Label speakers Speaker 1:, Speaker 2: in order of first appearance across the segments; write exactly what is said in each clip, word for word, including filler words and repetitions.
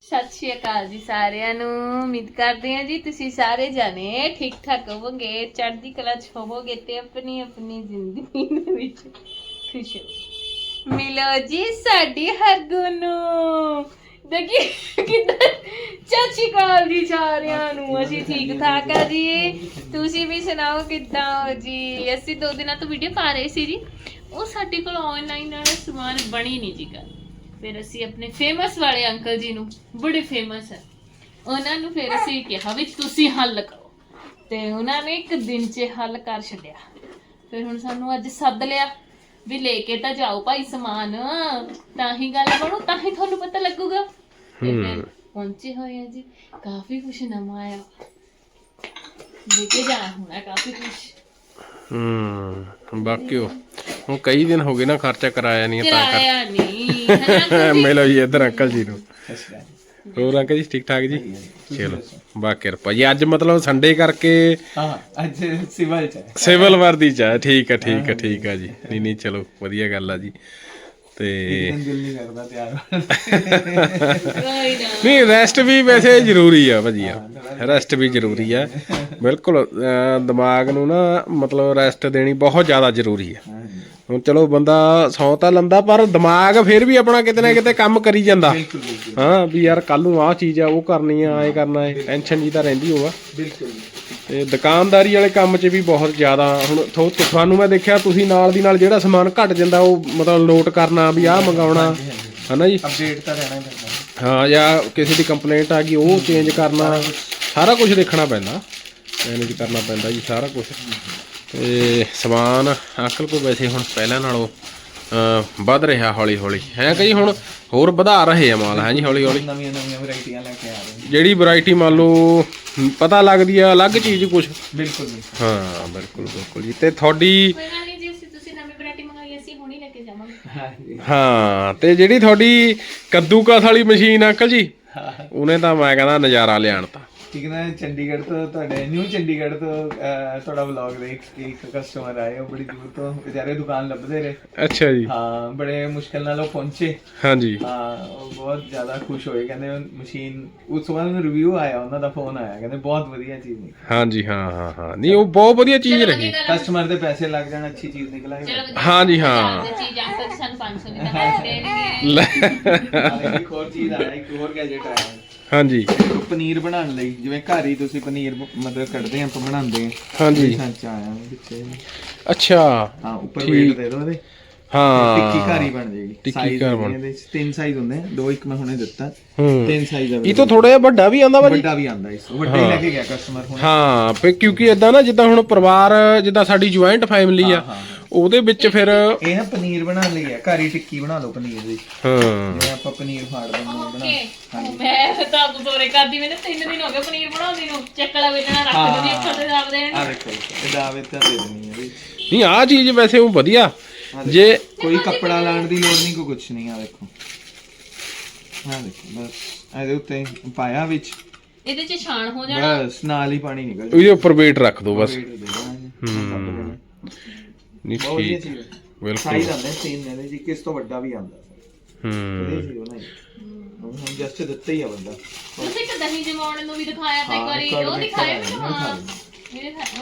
Speaker 1: ਸਤਿ ਸ਼੍ਰੀ ਅਕਾਲ ਜੀ ਸਾਰਿਆਂ ਨੂੰ। ਉਮੀਦ ਕਰਦੇ ਹਾਂ ਜੀ ਤੁਸੀਂ ਸਾਰੇ ਜਾਣੇ ਠੀਕ ਠਾਕ ਹੋਵੋਗੇ, ਚੜ੍ਹਦੀ ਕਲਾ ਚ ਹੋਵੋਗੇ ਤੇ ਆਪਣੀ ਆਪਣੀ ਜ਼ਿੰਦਗੀ ਦੇ ਵਿੱਚ ਖੁਸ਼ ਹੋ। ਮਿਲੋ ਜੀ ਸਾਡੀ ਹਰਗੁਣ ਨੂੰ। ਦੇਖੀ ਕਿੱਦਾਂ ਸਤਿ ਸ਼੍ਰੀ ਅਕਾਲ ਜੀ ਸਾਰਿਆਂ ਨੂੰ। ਅਸੀਂ ਠੀਕ ਠਾਕ ਆ ਜੀ, ਤੁਸੀਂ ਵੀ ਸੁਣਾਓ ਕਿੱਦਾਂ ਹੋ ਜੀ। ਅਸੀਂ ਦੋ ਦਿਨਾਂ ਤੋਂ ਵੀਡੀਓ ਪਾ ਰਹੇ ਸੀ ਜੀ, ਉਹ ਸਾਡੇ ਕੋਲ ਆਨਲਾਈਨ ਵਾਲਾ ਸਮਾਨ ਬਣੀ ਨਹੀਂ ਜੀ ਗੱਲ। ਫਿਰ ਅਸੀਂ ਆਪਣੇ ਫੇਮਸ ਵਾਲੇ ਅੰਕਲ ਜੀ ਨੂੰ, ਬੜੇ ਫੇਮਸ ਹੈ, ਉਹਨਾਂ ਨੂੰ ਫਿਰ ਅਸੀਂ ਕਿਹਾ ਵੀ ਤੁਸੀਂ ਹੱਲ ਕਰੋ, ਤੇ ਉਹਨਾਂ ਨੇ ਇੱਕ ਦਿਨ 'ਚ ਹੱਲ ਕਰ ਛੱਡਿਆ। ਫਿਰ ਹੁਣ ਸਾਨੂੰ ਅੱਜ ਸੱਦ ਲਿਆ ਵੀ ਲੈ ਕੇ ਤਾਂ ਜਾਓ ਭਾਈ ਸਮਾਨ, ਤਾਂ ਹੀ ਗੱਲ ਬਣੂ, ਤਾਂ ਹੀ ਤੁਹਾਨੂੰ ਪਤਾ ਲੱਗੂਗਾ। ਤੇ ਫਿਰ ਪਹੁੰਚੇ ਹੋਏ ਆ ਜੀ, ਕਾਫੀ ਕੁਛ ਨਵਾਂ ਆਇਆ, ਲੈ ਕੇ ਜਾਣਾ ਹੋਣਾ ਕਾਫੀ ਕੁਛ।
Speaker 2: ਹੂੰ ਬਾਕੀ ਹੁਣ ਕਈ ਦਿਨ ਹੋ ਗਏ ਨਾ ਖਰਚਾ ਕਰਾਇਆ ਨਹੀਂ, ਤਾਂ
Speaker 1: ਕਰਾਇਆ ਨਹੀਂ।
Speaker 2: ਮਿਲੋ ਜੀ ਇੱਧਰ ਅੰਕਲ ਜੀ ਨੂੰ। ਹੋਰ ਅੰਕਲ ਜੀ ਠੀਕ ਠਾਕ ਜੀ? ਚਲੋ ਬਾ ਕਿਰਪਾ ਜੀ। ਅੱਜ ਮਤਲਬ ਸੰਡੇ ਕਰਕੇ
Speaker 3: ਹਾਂ ਅੱਜ ਸਿਵਲ ਚ
Speaker 2: ਸਿਵਲ ਵਰਦੀ ਚ ਹੈ। ਠੀਕ ਹੈ ਠੀਕ ਹੈ ਠੀਕ ਹੈ ਜੀ। ਨਹੀਂ ਨਹੀਂ ਚਲੋ ਵਧੀਆ ਗੱਲ ਆ ਜੀ। ਤੇ
Speaker 3: ਦਿਲ ਨਹੀਂ ਕਰਦਾ ਤਿਆਰ
Speaker 2: ਨਹੀਂ, ਰੈਸਟ ਵੀ ਵੈਸੇ ਜ਼ਰੂਰੀ ਆ ਭਾਜੀ, ਰੈਸਟ ਵੀ ਜ਼ਰੂਰੀ ਆ ਬਿਲਕੁਲ। ਦਿਮਾਗ ਨੂੰ ਨਾ ਮਤਲਬ ਰੈਸਟ ਦੇਣੀ ਬਹੁਤ ਜ਼ਿਆਦਾ ਜ਼ਰੂਰੀ ਆ। ਹੁਣ ਚਲੋ ਬੰਦਾ ਸੌ ਤਾਂ ਲੈਂਦਾ, ਪਰ ਦਿਮਾਗ ਫਿਰ ਵੀ ਆਪਣਾ ਕਿਤੇ ਨਾ ਕਿਤੇ ਕੰਮ ਕਰੀ ਜਾਂਦਾ। ਹਾਂ ਵੀ ਯਾਰ ਕੱਲ ਨੂੰ ਆਹ ਚੀਜ਼ ਆ, ਉਹ ਕਰਨੀ ਆ, ਐਂ ਕਰਨਾ ਹੈ, ਟੈਨਸ਼ਨ ਜੀ ਤਾਂ ਰਹਿੰਦੀ ਹੋਵਾ। ਤੇ ਦੁਕਾਨਦਾਰੀ ਵਾਲੇ ਕੰਮ 'ਚ ਵੀ ਬਹੁਤ ਜ਼ਿਆਦਾ ਹੁਣ ਥੋ ਤੁਹਾਨੂੰ ਮੈਂ ਦੇਖਿਆ, ਤੁਸੀਂ ਨਾਲ ਦੀ ਨਾਲ ਜਿਹੜਾ ਸਮਾਨ ਘਟ ਜਾਂਦਾ ਉਹ ਮਤਲਬ ਨੋਟ ਕਰਨਾ ਵੀ ਆਹ ਮੰਗਾਉਣਾ ਹੈ ਨਾ ਜੀ,
Speaker 3: ਅਪਡੇਟ ਤਾਂ ਰਹਿਣਾ ਪੈਂਦਾ।
Speaker 2: ਹਾਂ, ਜਾਂ ਕਿਸੇ ਦੀ ਕੰਪਲੇਂਟ ਆ ਗਈ ਉਹ ਚੇਂਜ ਕਰਨਾ, ਸਾਰਾ ਕੁਝ ਦੇਖਣਾ ਪੈਂਦਾ, ਮੈਨੇਜ ਕਰਨਾ ਪੈਂਦਾ ਜੀ ਸਾਰਾ ਕੁਛ। ਤੇ ਸਮਾਨ ਅੰਕਲ ਕੋਲ ਵੈਸੇ ਹੁਣ ਪਹਿਲਾਂ ਨਾਲੋਂ ਵੱਧ ਰਿਹਾ ਹੌਲੀ ਹੌਲੀ, ਹੈ ਕਿ ਜੀ? ਹੁਣ ਹੋਰ ਵਧਾ ਰਹੇ ਆ ਮਾਲ, ਹੈ ਜੀ, ਹੌਲੀ ਹੌਲੀ
Speaker 3: ਨਵੀਆਂ ਨਵੀਆਂ ਵੈਰਾਈਟੀਆਂ ਲੈ ਕੇ ਆ ਰਹੇ।
Speaker 2: ਜਿਹੜੀ ਵੈਰਾਈਟੀ ਮੰਨ ਲਓ ਪਤਾ ਲੱਗਦੀ ਆ ਅਲੱਗ ਚੀਜ਼ ਕੁਛ।
Speaker 3: ਬਿਲਕੁਲ
Speaker 2: ਹਾਂ ਬਿਲਕੁਲ ਬਿਲਕੁਲ ਜੀ। ਤੇ ਤੁਹਾਡੀ ਹਾਂ, ਤੇ ਜਿਹੜੀ ਤੁਹਾਡੀ ਕੱਦੂਕਸ ਵਾਲੀ ਮਸ਼ੀਨ ਅੰਕਲ ਜੀ, ਉਹਨੇ ਤਾਂ ਮੈਂ ਕਹਿੰਦਾ ਨਜ਼ਾਰਾ ਲਿਆਣ ਤਾ।
Speaker 3: ਠੀਕ ਨਾ, ਚੰਡੀਗੜ੍ਹ ਤੋਂ ਤੁਹਾਡੇ ਨਿਊ ਚੰਡੀਗੜ੍ਹ ਤੋਂ ਤੁਹਾਡਾ ਵਲੌਗ ਦੇਖ ਕੇ ਇੱਕ ਕਸਟਮਰ ਆਏ, ਉਹ ਬੜੀ ਦੂਰ ਤੋਂ ਵਿਚਾਰੇ ਦੁਕਾਨ ਲੱਭਦੇ ਰਹੇ।
Speaker 2: ਅੱਛਾ ਜੀ।
Speaker 3: ਹਾਂ, ਬੜੇ ਮੁਸ਼ਕਿਲ ਨਾਲ ਉਹ ਪਹੁੰਚੇ।
Speaker 2: ਹਾਂਜੀ
Speaker 3: ਹਾਂ, ਉਹ ਬਹੁਤ ਜ਼ਿਆਦਾ ਖੁਸ਼ ਹੋਏ, ਕਹਿੰਦੇ ਮਸ਼ੀਨ ਉਸ ਤੋਂ ਬਾਅਦ ਰਿਵਿਊ ਆਇਆ, ਉਹਨਾਂ ਦਾ ਫੋਨ ਆਇਆ, ਕਹਿੰਦੇ ਬਹੁਤ ਵਧੀਆ ਚੀਜ਼ ਨਿਕਲੀ।
Speaker 2: ਹਾਂਜੀ ਹਾਂ ਹਾਂ ਹਾਂ, ਨਹੀਂ ਉਹ ਬਹੁਤ ਵਧੀਆ ਚੀਜ਼ ਰਹੀ।
Speaker 3: ਕਸਟਮਰ ਦੇ ਪੈਸੇ ਲੱਗ ਜਾਣ, ਅੱਛੀ ਚੀਜ਼ ਨਿਕਲ ਆਈ।
Speaker 2: ਹਾਂਜੀ ਹਾਂ,
Speaker 3: ਇੱਕ ਹੋਰ ਚੀਜ਼ ਆਇਆ, ਇੱਕ ਹੋਰ ਗੈਜਟ ਆਇਆ।
Speaker 2: ਹਾਂਜੀ,
Speaker 3: ਪਨੀਰ ਬਣਾਉਣ ਲਈ, ਜਿਵੇਂ ਘਰ ਹੀ ਤੁਸੀਂ ਪਨੀਰ ਮਤਲਬ ਕੱਢਦੇ ਆਪਾਂ ਬਣਾਉਂਦੇ ਆ।
Speaker 2: ਹਾਂਜੀ
Speaker 3: ਸੱਚ ਆਇਆ ਪਿੱਛੇ।
Speaker 2: ਅੱਛਾ
Speaker 3: ਹਾਂ, ਉੱਪਰ ਵੇਟ ਦੇ ਦੋ ਇਹਦੇ।
Speaker 2: ਹਾਂ,
Speaker 3: ਟਿੱਕੀ ਘਰ ਹੀ ਬਣ ਜਾਏਗੀ।
Speaker 2: ਟਿੱਕੀ ਘਰ ਬਣ।
Speaker 3: ਇਹਦੇ ਤਿੰਨ ਸਾਈਜ਼ ਹੁੰਦੇ ਆ, ਦੋ ਇੱਕ ਮੈਂ ਹੁਣੇ ਦਿੱਤਾ।
Speaker 2: ਹੂੰ,
Speaker 3: ਤਿੰਨ ਸਾਈਜ਼ ਆ।
Speaker 2: ਇਹ ਤਾਂ ਥੋੜਾ ਜਿਹਾ ਵੱਡਾ ਵੀ ਆਂਦਾ ਭਾਜੀ।
Speaker 3: ਵੱਡਾ ਵੀ ਆਂਦਾ, ਇਸ ਤੋਂ ਵੱਡਾ ਹੀ ਲੈ ਕੇ ਗਿਆ ਕਸਟਮਰ ਹੁਣ।
Speaker 2: ਹਾਂ, ਫੇ ਕਿਉਂਕਿ ਇਦਾਂ ਨਾ, ਜਿੱਦਾਂ ਹੁਣ ਪਰਿਵਾਰ, ਜਿੱਦਾਂ ਸਾਡੀ ਜੁਆਇੰਟ ਫੈਮਿਲੀ ਆ, ਉਹਦੇ ਵਿੱਚ ਫਿਰ
Speaker 3: ਇਹ ਨਾ ਪਨੀਰ ਬਣਾਉਣ ਲਈ ਆ, ਘਰ ਹੀ ਟਿੱਕੀ ਬਣਾ ਲਓ ਪਨੀਰ ਦੀ।
Speaker 2: ਹਾਂ,
Speaker 3: ਜਿਵੇਂ ਆਪਾਂ ਪਨੀਰ ਫਾੜ ਦਿੰਦੇ ਆ ਬਣਾ।
Speaker 1: ਮੈਂ ਤਾਂ ਬਜ਼ੋਰੇ ਕਰਦੀ, ਮੈਨੂੰ ਤਿੰਨ ਦਿਨ ਹੋ ਗਏ ਪਨੀਰ ਬਣਾਉਂਦੀ ਨੂੰ। ਚੱਕਲਾ ਵੇਚਣਾ ਰੱਖ ਦਿੰਦੀ, ਅੱਖਾਂ ਤੇ ਦਾਬ ਦੇਣ।
Speaker 3: ਆ ਦੇਖੋ, ਇਹ ਦਾਅਵੇ ਤਾਂ ਦੇ ਦੇਣੀ ਹੈ।
Speaker 2: ਨਹੀਂ ਆਹ ਚੀਜ਼ ਵੈਸੇ ਉਹ ਵਧੀਆ, ਜੇ
Speaker 3: ਕੋਈ ਕੱਪੜਾ ਲਾਉਣ ਦੀ ਲੋੜ ਨਹੀਂ, ਕੋਈ ਕੁਛ ਨਹੀਂ। ਆ ਦੇਖੋ, ਆ ਦੇਖੋ, ਬਸ ਇਹਦੇ ਉੱਤੇ ਪਾਇਆ ਵਿੱਚ,
Speaker 1: ਇਹਦੇ ਚ ਛਾਣ ਹੋ ਜਾਣਾ,
Speaker 3: ਬਸ ਨਾਲ ਹੀ ਪਾਣੀ ਨਿਕਲ
Speaker 2: ਇਹਦੇ ਉੱਪਰ ਵੇਟ ਰੱਖ ਦੋ ਬਸ।
Speaker 3: ਹੂੰ,
Speaker 2: ਨਹੀਂ ਠੀਕ, ਬਿਲਕੁਲ।
Speaker 3: ਸਾਈਜ਼ ਆਉਂਦੇ ਤਿੰਨ ਇਹਦੇ ਜੀ, ਕਿਸ ਤੋਂ ਵੱਡਾ ਵੀ ਆਉਂਦਾ।
Speaker 2: ਹੂੰ,
Speaker 3: ਹੁਣ ਜਸਟ ਦਿੱਤਾ ਹੀ ਆ ਬੰਦਾ।
Speaker 1: ਤੁਸੀਂ ਇੱਕ ਦਹੀਂ ਜਮਾਉਣ ਨੂੰ ਵੀ ਦਿਖਾਇਆ ਤਾਂ ਇੱਕ ਵਾਰੀ, ਉਹ ਦਿਖਾਇਆ ਮੈਨੂੰ। ਹਾਂ, ਮੇਰੇ ਦਿਖਾਇਆ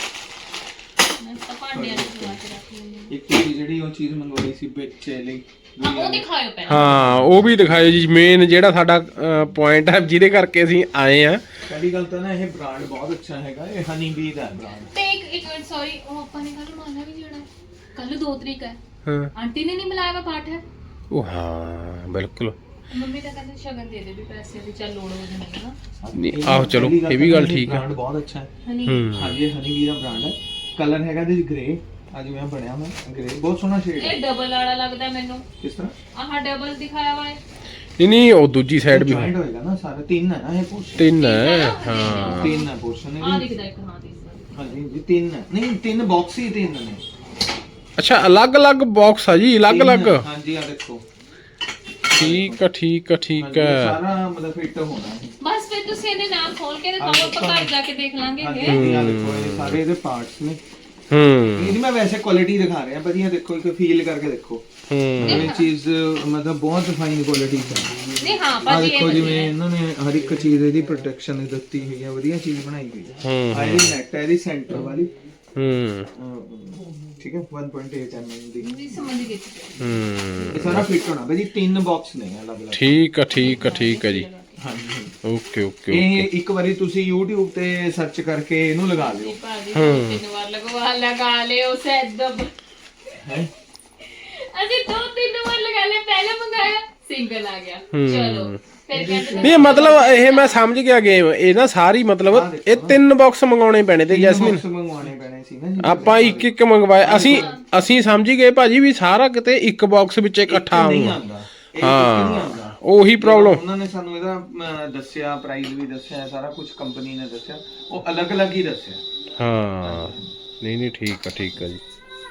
Speaker 1: ਮੈਂ ਤਾਂ ਭਾਂਡਿਆਂ ਦੇ ਜਮਾ ਕੇ ਰੱਖ ਲਈ।
Speaker 3: ਇੱਕ ਚੀਜ਼ ਜਿਹੜੀ ਉਹ ਚੀਜ਼ ਮੰਗਵਾਈ ਸੀ ਬੱਚੇ ਲਈ,
Speaker 1: ਹਾਂ ਉਹ ਦਿਖਾਇਓ ਪਹਿਲਾਂ।
Speaker 2: ਹਾਂ ਉਹ ਵੀ ਦਿਖਾਇਓ ਜੀ। ਮੇਨ ਜਿਹੜਾ ਸਾਡਾ ਪੁਆਇੰਟ ਹੈ ਜਿਹਦੇ ਕਰਕੇ ਅਸੀਂ ਆਏ ਆ,
Speaker 3: ਪਹਿਲੀ ਗੱਲ ਤਾਂ ਨਾ ਇਹ ਬ੍ਰਾਂਡ ਬਹੁਤ ਅੱਛਾ ਹੈਗਾ। ਇਹ ਹਨੀ ਬੀ ਦਾ ਬ੍ਰਾਂਡ।
Speaker 1: ਤੇ ਇੱਕ ਇੱਕ ਮਿੰਟ, ਸੌਰੀ, ਉਹ ਆਪਾਂ ਨੇ ਕੱਲ ਮਾਨਾ ਵੀ ਜਾਣਾ, ਕੱਲ ਦੋ ਤਰੀਕ ਹੈ।
Speaker 2: ਹਾਂ
Speaker 1: ਆਂਟੀ ਨੇ ਨਹੀਂ ਮਿਲਾਇਆ ਵਾ ਪਾਠ ਹੈ
Speaker 2: ਉਹ, ਹਾਂ ਬਿਲਕੁਲ।
Speaker 1: ਮੰਮੀ ਤਾਂ ਕਹਿੰਦੇ ਸ਼ਗਨ ਦੇ ਦੇ ਵੀ ਪੈਸੇ ਦੀ, ਚੱਲ ਲੋੜ ਹੋ ਜਾਂਦੀ ਨਾ।
Speaker 2: ਨਹੀਂ ਆਹੋ ਚਲੋ, ਇਹ ਵੀ ਗੱਲ ਠੀਕ ਹੈ।
Speaker 3: ਬ੍ਰਾਂਡ ਬਹੁਤ ਅੱਛਾ ਹੈ।
Speaker 1: ਹਨੀ
Speaker 3: ਹਾਂਜੀ, ਹਨੀ ਬੀ ਦਾ ਬ੍ਰਾਂਡ ਹੈ। ਕਲਰ ਹੈਗਾ ਇਹਦੇ ਗ੍ਰੇ, ਅੱਜ ਮੈਂ ਬਣਿਆ ਮੈਂ ਗ੍ਰੇ, ਬਹੁਤ ਸੋਹਣਾ ਸ਼ੇਡ ਹੈ।
Speaker 1: ਇਹ ਡਬਲ ਵਾਲਾ ਲੱਗਦਾ ਮੈਨੂੰ।
Speaker 3: ਕਿਸ ਤਰ੍ਹਾਂ?
Speaker 1: ਆਹ ਡਬਲ ਦਿਖਾਇਆ ਵਾ।
Speaker 2: ਨਹੀਂ ਨਹੀਂ, ਉਹ ਦੂਜੀ ਸਾਈਡ ਵੀ
Speaker 3: ਜੁਆਇੰਟ ਹੋਏਗਾ ਨਾ ਸਾਰਾ। ਤਿੰਨ ਹੈ ਨਾ ਇਹ ਪੋਰਸ਼ਨ,
Speaker 2: ਤਿੰਨ ਹੈ। ਹਾਂ,
Speaker 3: ਤਿੰਨ ਹੈ ਪੋਰਸ਼ਨ
Speaker 1: ਆਹ
Speaker 3: ਇਹਦੀ।
Speaker 1: ਦਿਖਦਾ ਇੱਕ, ਹਾਂ ਦਿਖਦਾ।
Speaker 3: ਹਾਂਜੀ ਜੀ, ਤਿੰਨ ਹੈ। ਨਹੀਂ, ਤਿੰਨ ਬਾਕਸ ਹੀ ਤਿੰਨ ਨੇ।
Speaker 2: ਅੱਛਾ, ਅਲੱਗ-ਅਲੱਗ ਬਾਕਸ ਆ ਜੀ, ਅਲੱਗ-ਅਲੱਗ।
Speaker 3: ਹਾਂਜੀ, ਆ ਦੇਖੋ।
Speaker 2: ਠੀਕ ਆ ਠੀਕ ਆ ਠੀਕ ਆ।
Speaker 3: ਸਾਰਾ ਮਤਲਬ ਫਿੱਟ ਹੋਣਾ ਹੈ।
Speaker 1: ਬਸ ਫਿਰ ਤੁਸੀਂ ਇਹਦੇ ਨਾਲ ਖੋਲ ਕੇ ਦਿਖਾਓ, ਆਪਾਂ ਘਰ ਜਾ ਕੇ ਦੇਖ ਲਾਂਗੇ ਇਹ।
Speaker 3: ਹਾਂਜੀ, ਆ ਦੇਖੋ, ਇਹ ਸਾਰੇ ਇਹਦੇ ਪਾਰਟਸ ਨੇ।
Speaker 2: ਹੂੰ
Speaker 3: ਇਹਦੀ ਮੈਂ ਵੈਸੇ ਕੁਆਲਿਟੀ ਦਿਖਾ ਰਿਹਾ ਵਧੀਆ, ਦੇਖੋ ਇੱਕ ਫੀਲ ਕਰਕੇ ਦੇਖੋ।
Speaker 2: ਹੂੰ
Speaker 3: ਇਹ ਚੀਜ਼ ਮਤਲਬ ਬਹੁਤ ਫਾਈਨ ਕੁਆਲਿਟੀ ਦੀ
Speaker 1: ਨਹੀਂ ਹਾਂ
Speaker 3: ਆ
Speaker 1: ਭਾਜੀ
Speaker 3: ਦੇਖੋ,
Speaker 1: ਇਹ
Speaker 3: ਜਿਵੇਂ ਇਹਨਾਂ ਨੇ ਹਰ ਇੱਕ ਚੀਜ਼ ਇਹਦੀ ਪ੍ਰੋਟੈਕਸ਼ਨ ਦਿੱਤੀ ਹੋਈ ਹੈ, ਵਧੀਆ ਚੀਜ਼ ਬਣਾਈ ਹੋਈ ਹੈ।
Speaker 2: ਹੂੰ
Speaker 3: ਆ ਇਹਦੀ ਨੈਟ ਹੈ, ਇਹਦੀ ਸੈਂਟਰ ਵਾਲੀ,
Speaker 2: ਹੂੰ
Speaker 3: ਠੀਕ ਹੈ, one point eight M M ਦੀ।
Speaker 1: ਨਹੀਂ ਸਮਝ ਗਈ
Speaker 2: ਹੂੰ
Speaker 3: ਇਹ ਸਾਰਾ ਫਿੱਟ ਹੋਣਾ ਭਾਜੀ, ਤਿੰਨ ਬਾਕਸ ਨੇ ਅਲੱਗ ਅਲੱਗ।
Speaker 2: ਠੀਕ ਆ ਠੀਕ ਆ ਠੀਕ ਆ ਜੀ।
Speaker 3: ਹਾਂਜੀ
Speaker 2: ਓਕੇ ਓਕੇ
Speaker 3: ਇਹ ਇੱਕ ਵਾਰੀ ਤੁਸੀਂ YouTube ਤੇ ਸਰਚ ਕਰਕੇ ਇਹਨੂੰ ਲਗਾ ਲਿਓ।
Speaker 1: ਭਾਜੀ ਤਿੰਨ ਵਾਰ ਲਗਵਾ ਲਗਾ ਲਿਓ ਸੈਦਬ
Speaker 3: ਹੈ
Speaker 1: ਅਸੀਂ ਦੋ ਤਿੰਨ ਵਾਰ ਲਗਾ ਲਿਆ, ਪਹਿਲਾਂ ਮੰਗਾਇਆ ਸਿੰਗਲ ਆ ਗਿਆ, ਚਲੋ ਫਿਰ ਕਹਿੰਦੇ
Speaker 2: ਨਹੀਂ ਮਤਲਬ ਇਹ ਮੈਂ ਸਮਝ ਗਿਆ ਗੇਮ, ਇਹ ਨਾ ਸਾਰੀ ਮਤਲਬ ਇਹ ਤਿੰਨ ਬਾਕਸ ਮੰਗਾਉਣੇ ਪੈਣੇ ਤੇ ਜੈਸਮੀਨ,
Speaker 3: ਬਾਕਸ ਮੰਗਵਾਉਣੇ ਪੈਣੇ ਸੀ ਨਾ ਜੀ।
Speaker 2: ਆਪਾਂ ਇੱਕ ਇੱਕ ਮੰਗਵਾਏ, ਅਸੀਂ ਅਸੀਂ ਸਮਝ ਗਏ ਭਾਜੀ ਵੀ ਸਾਰਾ ਕਿਤੇ ਇੱਕ ਬਾਕਸ ਵਿੱਚ ਇਕੱਠਾ
Speaker 3: ਨਹੀਂ
Speaker 2: ਆਊਗਾ।
Speaker 3: ਆਉਂਦਾ, ਇਹ ਨਹੀਂ ਆਉਂਦਾ।
Speaker 2: ਉਹੀ ਪ੍ਰੋਬਲਮ।
Speaker 3: ਉਹਨਾਂ ਨੇ ਸਾਨੂੰ ਇਹਦਾ ਅਮ, ਦੱਸਿਆ, ਪ੍ਰਾਈਸ ਵੀ ਦੱਸਿਆ, ਸਾਰਾ ਕੁਝ ਕੰਪਨੀ ਨੇ ਦੱਸਿਆ, ਉਹ ਅਲੱਗ-ਅਲੱਗ ਹੀ ਦੱਸਿਆ।
Speaker 2: ਹਾਂ ਨਹੀਂ ਨਹੀਂ ਠੀਕ ਆ ਠੀਕ ਆ ਜੀ।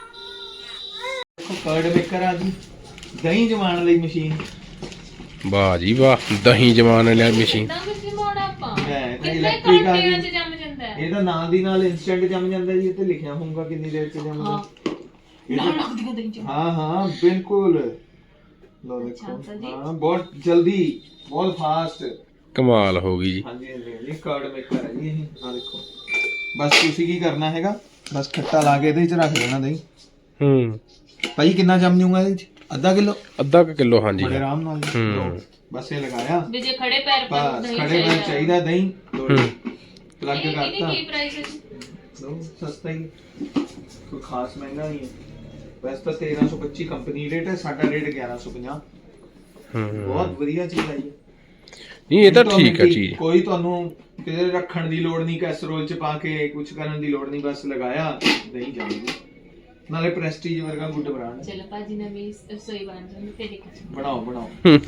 Speaker 3: ਦੇਖੋ ਕਰਡ ਮੇਕਰ ਆ ਜੀ, ਦਹੀਂ ਜਮਾਉਣ ਲਈ ਮਸ਼ੀਨ।
Speaker 2: ਵਾਹ ਜੀ ਵਾਹ, ਦਹੀਂ ਜਮਾਨ ਵਾਲੀ ਮਸ਼ੀਨ।
Speaker 1: ਤਾਂ ਕੁਝ ਮੋੜਾ ਆਪਾਂ
Speaker 3: ਮੈਂ ਤਾਂ
Speaker 1: ਕਿੰਨੇ
Speaker 3: ਇਲੈਕਟ੍ਰਿਕ ਆ
Speaker 1: ਘੰਟਿਆਂ
Speaker 3: ਗਈ,
Speaker 1: ਚ ਜੰਮ ਜਾਂਦਾ ਹੈ।
Speaker 3: ਇਹਦਾ ਨਾਲ ਦੀ ਨਾਲ ਇਨਸਟੈਂਟ ਜੰਮ ਜਾਂਦਾ ਜੀ, ਇੱਥੇ ਲਿਖਿਆ ਹੋਊਗਾ ਕਿੰਨੀ ਦੇਰ ਚ ਜੰਮਦਾ।
Speaker 1: ਨਾ ਲੱਗਦੀ ਦਹੀਂ ਚ
Speaker 3: ਹਾਂ ਹਾਂ ਬਿਲਕੁਲ, ਲੋ ਦੇਖੋ, ਹਾਂ ਬਹੁਤ ਜਲਦੀ, ਬਹੁਤ ਫਾਸਟ।
Speaker 2: ਕਮਾਲ ਹੋ ਗਈ ਜੀ।
Speaker 3: ਹਾਂਜੀ ਹਾਂਜੀ ਇਹ ਕਰਡ ਮੇਕਰ ਹੈ ਜੀ ਇਹ। ਆ ਦੇਖੋ, ਬਸ ਤੁਸੀਂ ਕੀ ਕਰਨਾ ਹੈਗਾ, ਬਸ ਖੱਟਾ ਲਾ ਕੇ ਇਹਦੇ ਵਿੱਚ ਰੱਖ ਦੇਣਾ ਦਹੀਂ।
Speaker 2: ਹੂੰ
Speaker 3: ਭਾਈ ਕਿੰਨਾ ਜੰਮ ਜੂਗਾ ਇਹਦੇ ਵਿੱਚ? ਅੱਧਾ ਕਿਲੋ,
Speaker 2: ਅੱਧਾ ਕੁ ਕਿਲੋ ਹਾਂਜੀ।
Speaker 3: ਬੜੇ ਆਰਾਮ ਨਾਲ ਜੀ।
Speaker 2: ਹੂੰ।
Speaker 3: ਲਓ, ਬਸ ਇਹ ਲਗਾਇਆ,
Speaker 1: ਵੀ ਜੇ ਖੜੇ ਪੈਰ ਪਰ
Speaker 3: ਬਸ
Speaker 1: ਦਹੀਂ
Speaker 3: ਖੜੇ ਪੈਰ ਚਾਹੀਦਾ ਦਹੀਂ। ਲਓ ਜੀ, ਪਲੱਗ
Speaker 1: ਇਹਦੀ
Speaker 3: ਕਰਤਾ।
Speaker 1: ਕੀ ਪ੍ਰਾਈਸ ਹੈ?
Speaker 3: ਲਓ ਸਸਤਾ ਹੀ, ਕੋਈ ਖਾਸ ਮਹਿੰਗਾ ਨਹੀਂ ਹੈ। ਵੈਸੇ ਤਾਂ ਤੇਰਾਂ ਸੌ ਪੱਚੀ ਕੰਪਨੀ ਰੇਟ ਹੈ, ਸਾਡਾ ਰੇਟ ਗਿਆਰਾਂ ਸੌ ਪੰਜਾਹ।
Speaker 2: ਹੂੰ
Speaker 3: ਬਹੁਤ ਵਧੀਆ ਚੀਜ਼ ਆਈ ਹੈ।
Speaker 2: ਨਹੀਂ ਇਹ ਤਾਂ
Speaker 3: ਤੁਹਾਨੂੰ
Speaker 2: ਠੀਕ ਆ
Speaker 3: ਕੀ-
Speaker 2: ਚੀਜ਼।
Speaker 3: ਕੋਈ ਤੁਹਾਨੂੰ ਕਿਤੇ ਰੱਖਣ ਦੀ ਲੋੜ ਨਹੀਂ, ਕੈਸਰੋਲ ਚ ਪਾ ਕੇ ਕੁਝ ਕਰਨ ਦੀ ਲੋੜ ਨਹੀਂ, ਬਸ ਲਗਾਇਆ ਦਹੀਂ ਜਾਊਗੀ। ਨਾਲੇ ਪ੍ਰੈਸਟੀਜ ਵਰਗਾ ਗੁੱਡ ਬ੍ਰਾਂਡ।
Speaker 1: ਚਲੋ ਭਾਜੀ ਨਵੀਂ ਰਸੋਈ ਬਣ ਜਾਂਦੀ ਤੇ ਦੇਖੋ।
Speaker 3: ਬਣਾਓ ਬਣਾਓ।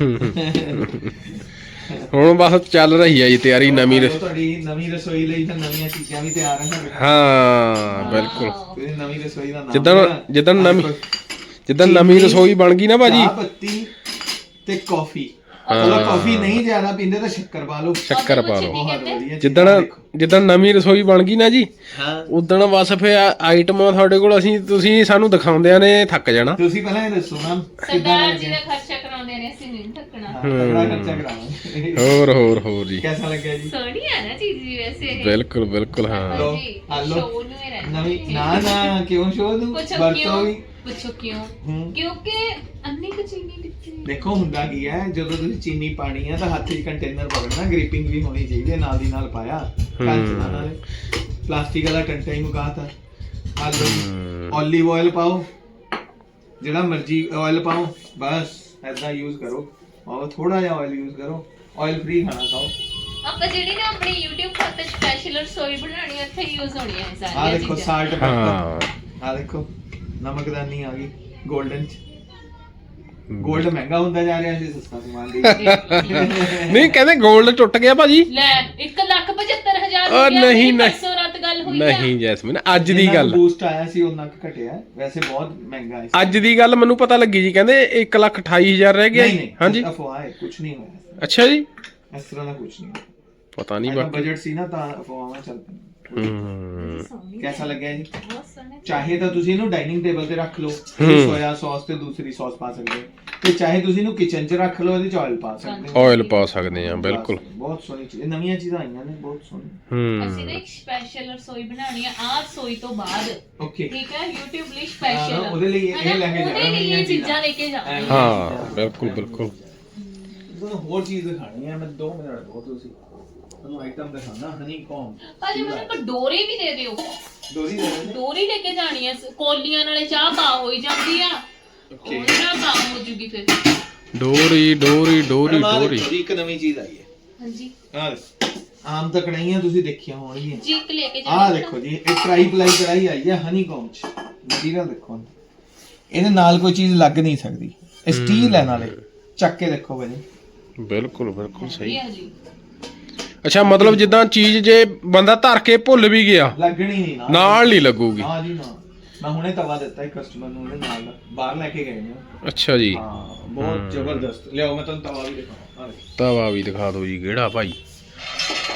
Speaker 2: ਹੁਣ ਬਸ ਚੱਲ ਰਹੀ ਹੈ ਜੀ ਤਿਆਰੀ ਨਵੀਂ ਰਸ-
Speaker 3: ਤੁਹਾਡੀ ਨਵੀਂ ਰਸੋਈ ਲਈ ਤਾਂ ਨਵੀਆਂ ਚੀਜ਼ਾਂ ਵੀ ਤਿਆਰ ਹਨ।
Speaker 2: ਹਾਂ ਬਿਲਕੁਲ।
Speaker 3: ਤੁਸੀਂ ਨਵੀਂ ਰਸੋਈ ਦਾ ਨਾਮ
Speaker 2: ਜਿੱਦਣ
Speaker 3: ਲਿਆ।
Speaker 2: ਜਿੱਦਣ
Speaker 3: ਆਹ
Speaker 2: ਨਵੀਂ
Speaker 3: ਦੇਖੋ,
Speaker 2: ਜਿੱਦਣ ਨਵੀਂ ਰਸੋਈ ਬਣ ਗਈ ਨਾ ਭਾਜੀ,
Speaker 3: ਚਾਹ ਪੱਤੀ ਤੇ ਕਾਫੀ। ਚਲੋ ਕਾਫੀ ਨਹੀਂ ਜ਼ਿਆਦਾ ਪੀਂਦੇ ਤਾਂ ਸ਼ੱਕਰ ਪਾ ਲਓ।
Speaker 2: ਸ਼ੱਕਰ ਪਾ ਲਓ।
Speaker 3: ਬਹੁਤ ਵਧੀਆ ਚੀਜ਼
Speaker 2: ਜਿੱਦਣ
Speaker 3: ਆ, ਦੇਖੋ।
Speaker 2: ਜਿੱਦਣ ਨਵੀਂ ਰਸੋਈ ਬਣ ਗਈ ਨਾ ਜੀ,
Speaker 3: ਹਾਂ
Speaker 2: ਉਦਣ ਬਸ ਫੇ ਆਈਟਮਾਂ ਤੁਹਾਡੇ ਕੋਲ ਅਸੀਂ ਤੁਸੀਂ ਸਾਨੂੰ ਦਿਖਾਉਂਦਿਆਂ ਨੇ ਥੱਕ ਜਾਣਾ।
Speaker 3: ਤੁਸੀਂ ਪਹਿਲਾਂ ਇਹ ਦੱਸੋ ਨਾ
Speaker 1: ਸਰਦਾਰ ਜੀ ਦਾ ਖਰਚਾ ਕਰਾਉਂਦੇ ਨੇ, ਅਸੀਂ ਨਹੀਂ ਥੱਕਣਾ।
Speaker 3: ਤਗੜਾ ਖਰਚਾ ਕਰਾਵਾਂਗੇ।
Speaker 2: ਹੋਰ ਹੋਰ ਹੋਰ ਜੀ,
Speaker 3: ਕਿਹਦਾ ਲੱਗਿਆ ਜੀ?
Speaker 1: ਸੋਹਣੀ ਆ ਨਾ ਚੀਜ਼ ਜੀ ਵੈਸੇ ਇਹ।
Speaker 2: ਬਿਲਕੁਲ ਬਿਲਕੁਲ ਹਾਂ।
Speaker 3: ਲਓ,
Speaker 1: ਜੀ,
Speaker 3: ਆ ਲਓ।
Speaker 1: ਸ਼ੋਅ ਨੂੰ ਹੀ ਰਹਿਣਾ
Speaker 3: ਨਵੀਂ ਨਾ ਨਾ ਕਿਉਂ ਸ਼ੋਅ ਨੂੰ
Speaker 1: ਪੁੱਛੋ
Speaker 3: ਵਰਤੋਂ
Speaker 1: ਕਿਉਂ?
Speaker 3: ਵੀ।
Speaker 1: ਪੁੱਛੋ ਕਿਉਂ?
Speaker 3: ਹੂੰ।
Speaker 1: ਕਿਉਂਕਿ ਅੰਨੀ ਕੁ ਚੀਨੀ ਦਿੱਤੀ।
Speaker 3: ਦੇਖੋ ਹੁੰਦਾ ਕੀ ਹੈ, ਜਦੋਂ ਤੁਸੀਂ ਚੀਨੀ ਪਾਣੀ ਹੈ ਤਾਂ ਹੱਥ 'ਚ ਕੰਟੇਨਰ ਪਕੜਨਾ, ਗ੍ਰਿਪਿੰਗ ਵੀ ਹੋਣੀ ਚਾਹੀਦੀ ਹੈ, ਨਾਲ ਦੀ ਨਾਲ ਪਾਇਆ ਕੰਚ ਦਾ, ਨਾਲੇ ਪਲਾਸਟਿਕ ਵਾਲਾ ਕੰਟਾ ਹੀ ਮੁਕਾਤਾ। ਆ ਲਓ, ਓਲੀਵ ਆਇਲ ਪਾਓ, ਜਿਹੜਾ ਮਰਜ਼ੀ ਆਇਲ ਪਾਓ, ਬਸ ਐਦਾਂ ਯੂਜ਼ ਕਰੋ। ਔਰ ਥੋੜਾ ਜਿਹਾ ਆਇਲ ਯੂਜ਼ ਕਰੋ, ਆਇਲ ਫ੍ਰੀ ਖਾਣਾ ਖਾਓ।
Speaker 1: ਆਪਾਂ ਜਿਹੜੀ ਨਾ ਆਪਣੀ YouTube ਖਾਤੇ ਸਪੈਸ਼ਲ ਰਸੋਈ ਬਣਾਉਣੀ ਉੱਥੇ ਯੂਜ਼ ਹੋਣੀਆਂ ਇਹ
Speaker 3: ਆ
Speaker 1: ਸਾਰੀਆਂ
Speaker 3: ਦੇਖੋ
Speaker 1: ਚੀਜ਼ਾਂ।
Speaker 3: ਸਾਲਟ
Speaker 2: ਹਾਂ
Speaker 3: ਪੈਪਰ, ਆ ਦੇਖੋ ਨਮਕਦਾਨੀ ਆ ਗਈ 골ਡਨ ਚ। 골ਡ ਮਹਿੰਗਾ ਹੁੰਦਾ ਜਾ ਰਿਹਾ ਸੀ, ਸਸਤਾ ਸਮਾਨ ਦੇ।
Speaker 2: ਨਹੀਂ ਕਹਿੰਦੇ 골ਡ ਟੁੱਟ ਗਿਆ ਭਾਜੀ।
Speaker 1: ਲੈ ਇੱਕ ਲੱਖ ਪਝੱਤਰ ਹਜ਼ਾਰ
Speaker 2: ਉਹ
Speaker 1: ਰੁਪਇਆ
Speaker 2: ਨਹੀਂ,
Speaker 1: ਮੇਰੀ
Speaker 2: ਨਹੀਂ।
Speaker 1: ਪਰਸੋਂ ਰਾਤ ਗੱਲ ਹੋਈ ਆ।
Speaker 2: ਨਹੀਂ ਜੈਸਮੀਨ, ਅੱਜ ਦੀ ਗੱਲ
Speaker 3: ਬੂਸਟ ਆਇਆ ਸੀ ਉਹਨਾਂ ਕ ਘਟਿਆ, ਵੈਸੇ ਬਹੁਤ ਮਹਿੰਗਾ ਹੈ।
Speaker 2: ਅੱਜ ਦੀ ਗੱਲ ਮੈਨੂੰ ਪਤਾ ਲੱਗੀ ਜੀ, ਕਹਿੰਦੇ ਇੱਕ ਲੱਖ ਅਠਾਈ ਹਜ਼ਾਰ ਰਹਿ ਗਿਆ।
Speaker 3: ਨਹੀਂ ਨਹੀਂ
Speaker 2: ਹਾਂਜੀ
Speaker 3: ਅਫਵਾਹ ਹੈ, ਕੁਝ ਨਹੀਂ ਹੋਇਆ
Speaker 2: ਅੱਛਾ ਜੀ,
Speaker 3: ਇਸ ਤਰ੍ਹਾਂ ਦਾ ਕੁਝ ਨਹੀਂ।
Speaker 2: ਪਤਾ ਨਹੀਂ
Speaker 3: ਨਹੀਂ
Speaker 2: ਬਾਕੀ।
Speaker 3: ਬਜਟ ਸੀ ਨਾ ਤਾਂ ਅਫਵਾਹਾਂ ਚੱਲ ਪਈਆਂ।
Speaker 2: ਹੂੰ
Speaker 1: ਸੋਹਣੀ
Speaker 3: ਕੈਸਾ ਲੱਗਿਆ ਜੀ?
Speaker 1: ਬਹੁਤ ਸੋਹਣਾ।
Speaker 3: ਚਾਹੇ ਤਾਂ ਤੁਸੀਂ ਇਹਨੂੰ ਡਾਈਨਿੰਗ ਟੇਬਲ ਤੇ ਰੱਖ ਲਓ, ਸੋਇਆ ਸੌਸ ਤੇ ਦੂਸਰੀ ਸੌਸ ਪਾ ਸਕਦੇ ਹੋ, ਤੇ ਚਾਹੇ ਤੁਸੀਂ ਇਹਨੂੰ ਕਿਚਨ 'ਚ ਰੱਖ ਲਓ, ਇਹਦੇ 'ਚ ਆਇਲ ਪਾ ਸਕਦੇ ਹੋ।
Speaker 2: ਆਇਲ ਪਾ ਸਕਦੇ ਆ ਬਿਲਕੁਲ।
Speaker 3: ਬਹੁਤ ਸੋਹਣੀ ਚੀਜ਼, ਇਹ ਨਵੀਆਂ ਚੀਜ਼ਾਂ ਆਈਆਂ ਨੇ, ਬਹੁਤ ਸੋਹਣੀ।
Speaker 1: ਅਸੀਂ
Speaker 2: ਹੂੰ
Speaker 1: ਨਾ ਇੱਕ ਸਪੈਸ਼ਲ ਰਸੋਈ ਬਣਾਉਣੀ ਆ ਆਹ ਰਸੋਈ ਤੋਂ ਬਾਅਦ,
Speaker 3: ਓਕੇ
Speaker 1: ਠੀਕ ਹੈ, YouTube ਲਈ
Speaker 3: ਹਾਂ,
Speaker 1: ਸਪੈਸ਼ਲ
Speaker 3: ਉਹਦੇ ਲਈ ਇਹ ਲੈ ਕੇ
Speaker 1: ਉਹਦੇ ਲਈ ਇਹ ਚੀਜ਼ਾਂ ਲੈ ਕੇ ਜਾਵਾਂਗੇ।
Speaker 2: ਹਾਂ ਬਿਲਕੁਲ ਬਿਲਕੁਲ।
Speaker 3: ਤੁਹਾਨੂੰ ਹੋਰ ਚੀਜ਼ ਦਿਖਾਣੀ ਹੈ, ਮੈਂ ਦੋ ਮਿੰਟ ਰੁਕੋ, ਤੁਸੀਂ ਤੁਹਾਨੂੰ ਆਈਟਮ ਦਿਖਾਣਾ। ਹਨੀ ਕੌਮ
Speaker 1: ਭਾਜੀ ਮੈਨੂੰ ਇੱਕ ਡੋਰੀ ਵੀ ਦੇ ਦਿਓ,
Speaker 3: ਡੋਰੀ ਦੇ ਰਹੇ ਨੇ।
Speaker 1: ਡੋਰੀ ਲੈ ਕੇ ਜਾਣੀ ਹੈ, ਕੋਲੀਆਂ ਨਾਲੇ ਚਾਹ ਪਾ ਹੋਈ ਜਾਂਦੀ ਆ,
Speaker 3: ਓਕੇ
Speaker 1: ਉਹਦੇ ਨਾਲ ਪਾ ਹੋ ਜੂਗੀ ਫਿਰ।
Speaker 2: ਡੋਰੀ ਡੋਰੀ ਡੋਰੀ ਡੋਰੀ।
Speaker 3: ਇੱਕ ਨਵੀਂ ਚੀਜ਼ ਆਈ ਹੈ।
Speaker 1: ਹਾਂਜੀ
Speaker 3: ਆਹ ਆਮ ਤਾਂ ਕੜਾਈਆਂ ਤੁਸੀਂ ਦੇਖੀਆਂ ਹੋਣਗੀਆਂ।
Speaker 1: ਜੀ ਇੱਕ ਲੈ ਕੇ
Speaker 3: ਆਹ
Speaker 1: ਜਾਣੀ
Speaker 3: ਦੇਖੋ ਜੀ, ਇਹ ਟਰਾਈ ਪਲਾਈ ਕੜਾਈ ਆਈ ਹੈ ਹਨੀ ਕੌਮ ਚ। ਮਟੀਰੀਅਲ ਦੇਖੋ, ਇਹਦੇ ਨਾਲ ਕੋਈ ਚੀਜ਼ ਲੱਗ ਨਹੀਂ ਸਕਦੀ, ਇਹ ਸਟੀਲ ਹੈ, ਨਾਲੇ ਚੱਕ ਕੇ ਦੇਖੋ ਭਾਜੀ।
Speaker 2: ਬਿਲਕੁਲ ਬਿਲਕੁਲ ਸਹੀ।
Speaker 1: ਹੈ ਜੀ।
Speaker 2: ਅੱਛਾ ਮਤਲਬ ਜਿੱਦਾਂ ਚੀਜ਼ ਜੇ ਬੰਦਾ ਧਰ ਕੇ ਭੁੱਲ ਵੀ ਗਿਆ,
Speaker 3: ਲੱਗਣੀ ਨਹੀਂ ਨਾਲ
Speaker 2: ਨਾਲ ਨਹੀਂ ਲੱਗੂਗੀ।
Speaker 3: ਹਾਂ ਜੀ ਨਾ, ਮੈਂ ਹੁਣੇ ਤਵਾ ਦਿੱਤਾ ਇੱਕ ਕਸਟਮਰ ਨੂੰ, ਉਹਦੇ ਨਾਲ ਬਾਹਰ ਲੈ ਕੇ ਗਏ ਨੇ।
Speaker 2: ਅੱਛਾ ਜੀ,
Speaker 3: ਹਾਂ ਬਹੁਤ ਜ਼ਬਰਦਸਤ। ਲਿਆਓ ਮੈਂ ਤੁਹਾਨੂੰ ਤਵਾ ਵੀ ਦਿਖਾਵਾਂ। ਆਹ ਦੇਖੋ,
Speaker 2: ਤਵਾ ਵੀ ਦਿਖਾ ਦਿਓ ਜੀ ਕਿਹੜਾ ਭਾਈ।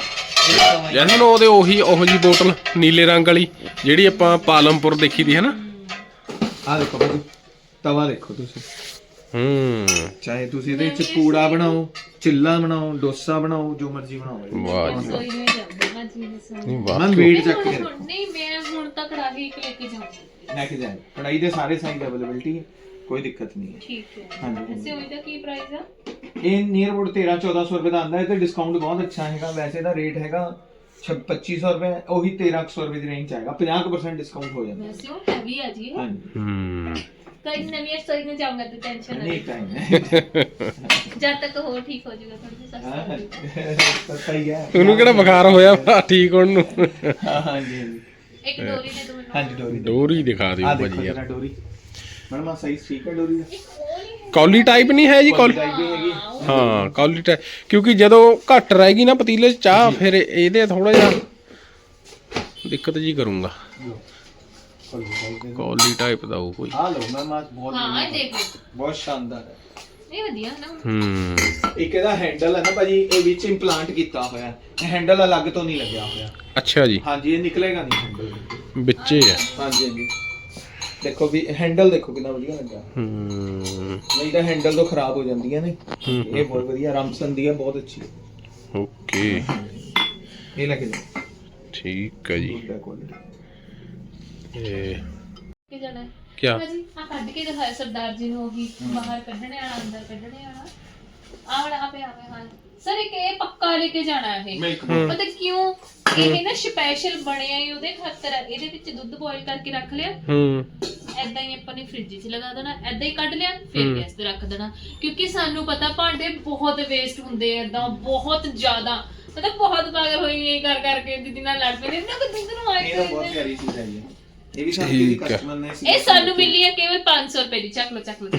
Speaker 2: ਜੈਸਨ ਉਹਦੇ ਉਹੀ ਉਹੋ ਜੀ ਬੋਤਲ ਨੀਲੇ ਰੰਗ ਵਾਲੀ ਜਿਹੜੀ ਆਪਾਂ ਪਾਲਮਪੁਰ ਦੇਖੀ ਦੀ ਹੈ ਨਾ।
Speaker 3: ਆ ਦੇਖੋ ਭਾਜੀ ਤਵਾ ਦੇਖੋ ਤੁਸੀਂ,
Speaker 2: ਹੂੰ
Speaker 3: ਚਾਹੇ ਤੁਸੀਂ ਇਹਦੇ ਵਿੱਚ ਪੂੜਾ ਬਣਾਓ, ਚਿੱਲਾ ਬਣਾਓ, ਡੋਸਾ ਬਣਾਓ, ਜੋ ਮਰਜ਼ੀ ਬਣਾਓ।
Speaker 2: ਵਾਹ ਜੀ
Speaker 1: ਕੋਈ ਨਹੀਂ ਜਾਂਦਾ ਜੀ
Speaker 2: ਨਹੀਂ ਵਾਹ
Speaker 3: ਮੈਂ ਵੇਟ ਚੱਕ ਕੇ
Speaker 1: ਹੁਣ ਨਹੀਂ, ਮੈਂ ਹੁਣ ਤੱਕ ਕੜਾਹੀ ਇੱਕ ਲੈ ਕੇ ਜਾਊਂਗੀ।
Speaker 3: ਲੈ ਕੇ ਜਾਏ, ਕੜਾਈ ਦੇ ਸਾਰੇ ਸਾਈਜ਼ ਅਵੇਲੇਬਿਲਟੀ ਹੈ, ਕੋਈ ਦਿੱਕਤ ਨਹੀਂ ਹੈ।
Speaker 1: ਠੀਕ ਹੈ।
Speaker 3: ਹਾਂਜੀ।
Speaker 1: ਵੈਸੇ ਉਹਦਾ ਕੀ ਪ੍ਰਾਈਸ ਆ?
Speaker 3: ਇਹ ਨੀਅਰ ਅਬਾਊਟ ਤੇਰਾਂ ਚੌਦਾਂ ਸੌ ਰੁਪਏ ਦਾ ਆਂਦਾ ਹੈ ਤੇ ਡਿਸਕਾਊਂਟ ਬਹੁਤ ਅੱਛਾ ਹੈਗਾ। ਵੈਸੇ ਦਾ ਰੇਟ ਹੈਗਾ ਪੱਚੀ ਸੌ ਰੁਪਏ, ਉਹੀ ਤੇਰਾਂ ਸੌ ਰੁਪਏ ਦੀ ਰੇਂਜ ਚ ਆਏਗਾ, ਪੰਜਾਹ ਪਰਸੈਂਟ ਡਿਸਕਾਊਂਟ ਹੋ ਜਾਂਦਾ।
Speaker 1: ਵੈਸੇ ਉਹ ਹੈਵੀ ਆ ਜੀ ਇਹ।
Speaker 3: ਹਾਂਜੀ
Speaker 2: ਹੂੰ
Speaker 1: ਕਈ ਨਵੀਂ ਸਟੋਰੀ ਨਾ ਜਾਊਂਗਾ ਤੇ ਟੈਨਸ਼ਨ ਨਾ
Speaker 3: ਨਹੀਂ ਟਾਈਮ ਹੈ
Speaker 1: ਜਦ ਤੱਕ ਹੋਰ ਠੀਕ ਹੋ ਜਾਊਗਾ ਥੋੜੀ ਜਿਹੀ ਸਸਤਾ।
Speaker 3: ਸਸਤਾ ਹੀ ਹੈ।
Speaker 2: ਉਹਨੂੰ ਕਿਹੜਾ ਬੁਖਾਰ ਹੋਇਆ ਵਾ ਠੀਕ ਹੋਣ ਨੂੰ।
Speaker 3: ਹਾਂ ਹਾਂਜੀ ਹਾਂਜੀ
Speaker 1: ਇੱਕ ਡੋਰੀ ਦੇ ਦੋ ਮੈਨੂੰ।
Speaker 3: ਹਾਂਜੀ ਡੋਰੀ
Speaker 2: ਡੋਰੀ ਦਿਖਾ ਦਿਓ
Speaker 3: ਆ ਦੇਖੋ
Speaker 2: ਭਾਜੀ ਯਾਰ।
Speaker 3: ਜਰਾ ਡੋਰੀ ਮੈਡਮ, ਆ ਸਾਈਜ਼ ਠੀਕ ਹੈ ਡੋਰੀ ਦਾ?
Speaker 1: ਇੱਕ ਉਹ ਨਹੀਂ
Speaker 2: ਕੌਲੀ ਟਾਈਪ ਨਹੀਂ ਹੈ ਜੀ ਕੌਲੀ।
Speaker 3: ਟਾਈਪ ਵੀ ਹੈਗੀ।
Speaker 2: ਹਾਂ ਕੌਲੀ ਟਾਈਪ, ਕਿਉਂਕਿ ਜਦੋਂ ਘੱਟ ਰਹੇਗੀ ਨਾ ਪਤੀਲੇ 'ਚ ਚਾਹ ਫਿਰ ਇਹਦੇ ਥੋੜਾ ਜਿਹਾ ਦਿੱਕਤ ਜੀ ਕਰੂੰਗਾ। ਕੌਲੀ ਟਾਈਪ ਦਾ ਉਹ ਕੋਈ।
Speaker 3: ਆ ਲਓ ਮੈਮ, ਆ ਬਹੁਤ
Speaker 1: ਹਾਂ ਇਹ ਦੇਖੋ
Speaker 3: ਬਹੁਤ ਸ਼ਾਨਦਾਰ ਹੈ।
Speaker 1: ਇਹ ਵਧੀਆ ਨਾ।
Speaker 2: ਹੂੰ
Speaker 3: ਇੱਕ ਇਹਦਾ ਹੈਂਡਲ ਹੈ ਨਾ ਭਾਜੀ, ਇਹ ਵਿੱਚ ਇੰਪਲਾਂਟ ਕੀਤਾ ਹੋਇਆ ਹੈ। ਇਹ ਹੈਂਡਲ ਅਲੱਗ ਤੋਂ ਨਹੀਂ ਲੱਗਿਆ ਹੋਇਆ।
Speaker 2: ਅੱਛਾ ਜੀ,
Speaker 3: ਹਾਂਜੀ ਇਹ ਨਿਕਲੇਗਾ ਨਹੀਂ ਹੈਂਡਲ।
Speaker 2: ਵਿੱਚੇ ਆ।
Speaker 3: ਹਾਂਜੀ ਹਾਂਜੀ ਦੇਖੋ ਵੀ ਹੈਂਡਲ ਦੇਖੋ ਕਿੰਨਾ ਵਧੀਆ ਲੱਗਾ।
Speaker 2: ਹੂੰ
Speaker 3: ਨਹੀਂ ਤਾਂ ਹੈਂਡਲ ਤੋਂ ਖਰਾਬ ਹੋ ਜਾਂਦੀਆਂ ਨੇ। ਇਹ ਬਹੁਤ ਵਧੀਆ ਰਾਮਸਨ ਦੀ ਹੈ, ਬਹੁਤ ਅੱਛੀ।
Speaker 2: ਓਕੇ
Speaker 3: ਇਹ ਲੈ ਕੇ ਜਾਓ।
Speaker 2: ਠੀਕ ਹੈ ਜੀ।
Speaker 3: Good quality.
Speaker 2: ਇਹ
Speaker 1: ਕੀ ਜਾਣਾ ਹੈ
Speaker 2: ਕਿਆ
Speaker 1: ਭਾਜੀ? ਆ ਕੱਢ ਕੇ ਦਿਖਾਇਆ ਸਰਦਾਰ ਜੀ ਨੂੰ, ਉਹੀ ਬਾਹਰ ਕੱਢਣੇ ਵਾਲਾ ਅੰਦਰ ਕੱਢਣੇ ਵਾਲਾ। ਆ ਵਾਲਾ ਆਪੇ ਆਪੇ। ਹਾਂ ਸਰ ਇੱਕ ਇਹ ਪੱਕਾ ਲੈ ਕੇ ਜਾਣਾ ਇਹ।
Speaker 3: ਮਿਲਕ
Speaker 1: ਪਤਾ ਕਿਉਂ? ਇਹ ਨਾ ਸਪੈਸ਼ਲ ਬਣਿਆ ਹੀ ਉਹਦੇ ਖਾਤਰ ਹੈ। ਇਹਦੇ ਵਿੱਚ ਦੁੱਧ ਬੋਇਲ ਕਰਕੇ ਰੱਖ ਲਿਆ,
Speaker 2: ਹੂੰ
Speaker 1: ਐਦਾਂ ਹੀ ਆਪਾਂ ਨੇ ਫ੍ਰਿਜ 'ਚ ਲਗਾ ਦੇਣਾ, ਐਦਾਂ ਹੀ ਕੱਢ ਲਿਆ ਫਿਰ ਗੈਸ ਤੇ ਰੱਖ ਦੇਣਾ। ਕਿਉਂਕਿ ਸਾਨੂੰ ਪਤਾ ਭਾਂਡੇ ਬਹੁਤ ਵੇਸਟ ਹੁੰਦੇ ਆ ਐਦਾਂ, ਬਹੁਤ ਜ਼ਿਆਦਾ। ਮਤਲਬ ਬਹੁਤ ਪਾਗਲ ਹੋਈ ਇਹ ਕਰ ਕਰਕੇ ਦੀਦੀ ਨਾਲ ਲੜ ਪਏ ਨੇ ਨਾ ਕਿ ਦੁੱਧ ਨੂੰ ਆਏ
Speaker 3: ਇਹ ਤਾਂ ਬਹੁਤ ਪਿਆਰੀ ਚੀਜ਼ ਹੈ ਇਹ। ਇਹ ਵੀ ਸਾਨੂੰ
Speaker 2: ਠੀਕ ਹੈ।
Speaker 3: ਕਸਟਮਰ ਨੇ
Speaker 1: ਇਹ ਸਾਨੂੰ ਮਿਲੀ ਹੈ ਕੇਵਲ ਪੰਜ ਸੌ ਰੁਪਏ ਦੀ। ਚੱਕ ਲੋ ਚੱਕ ਲੋ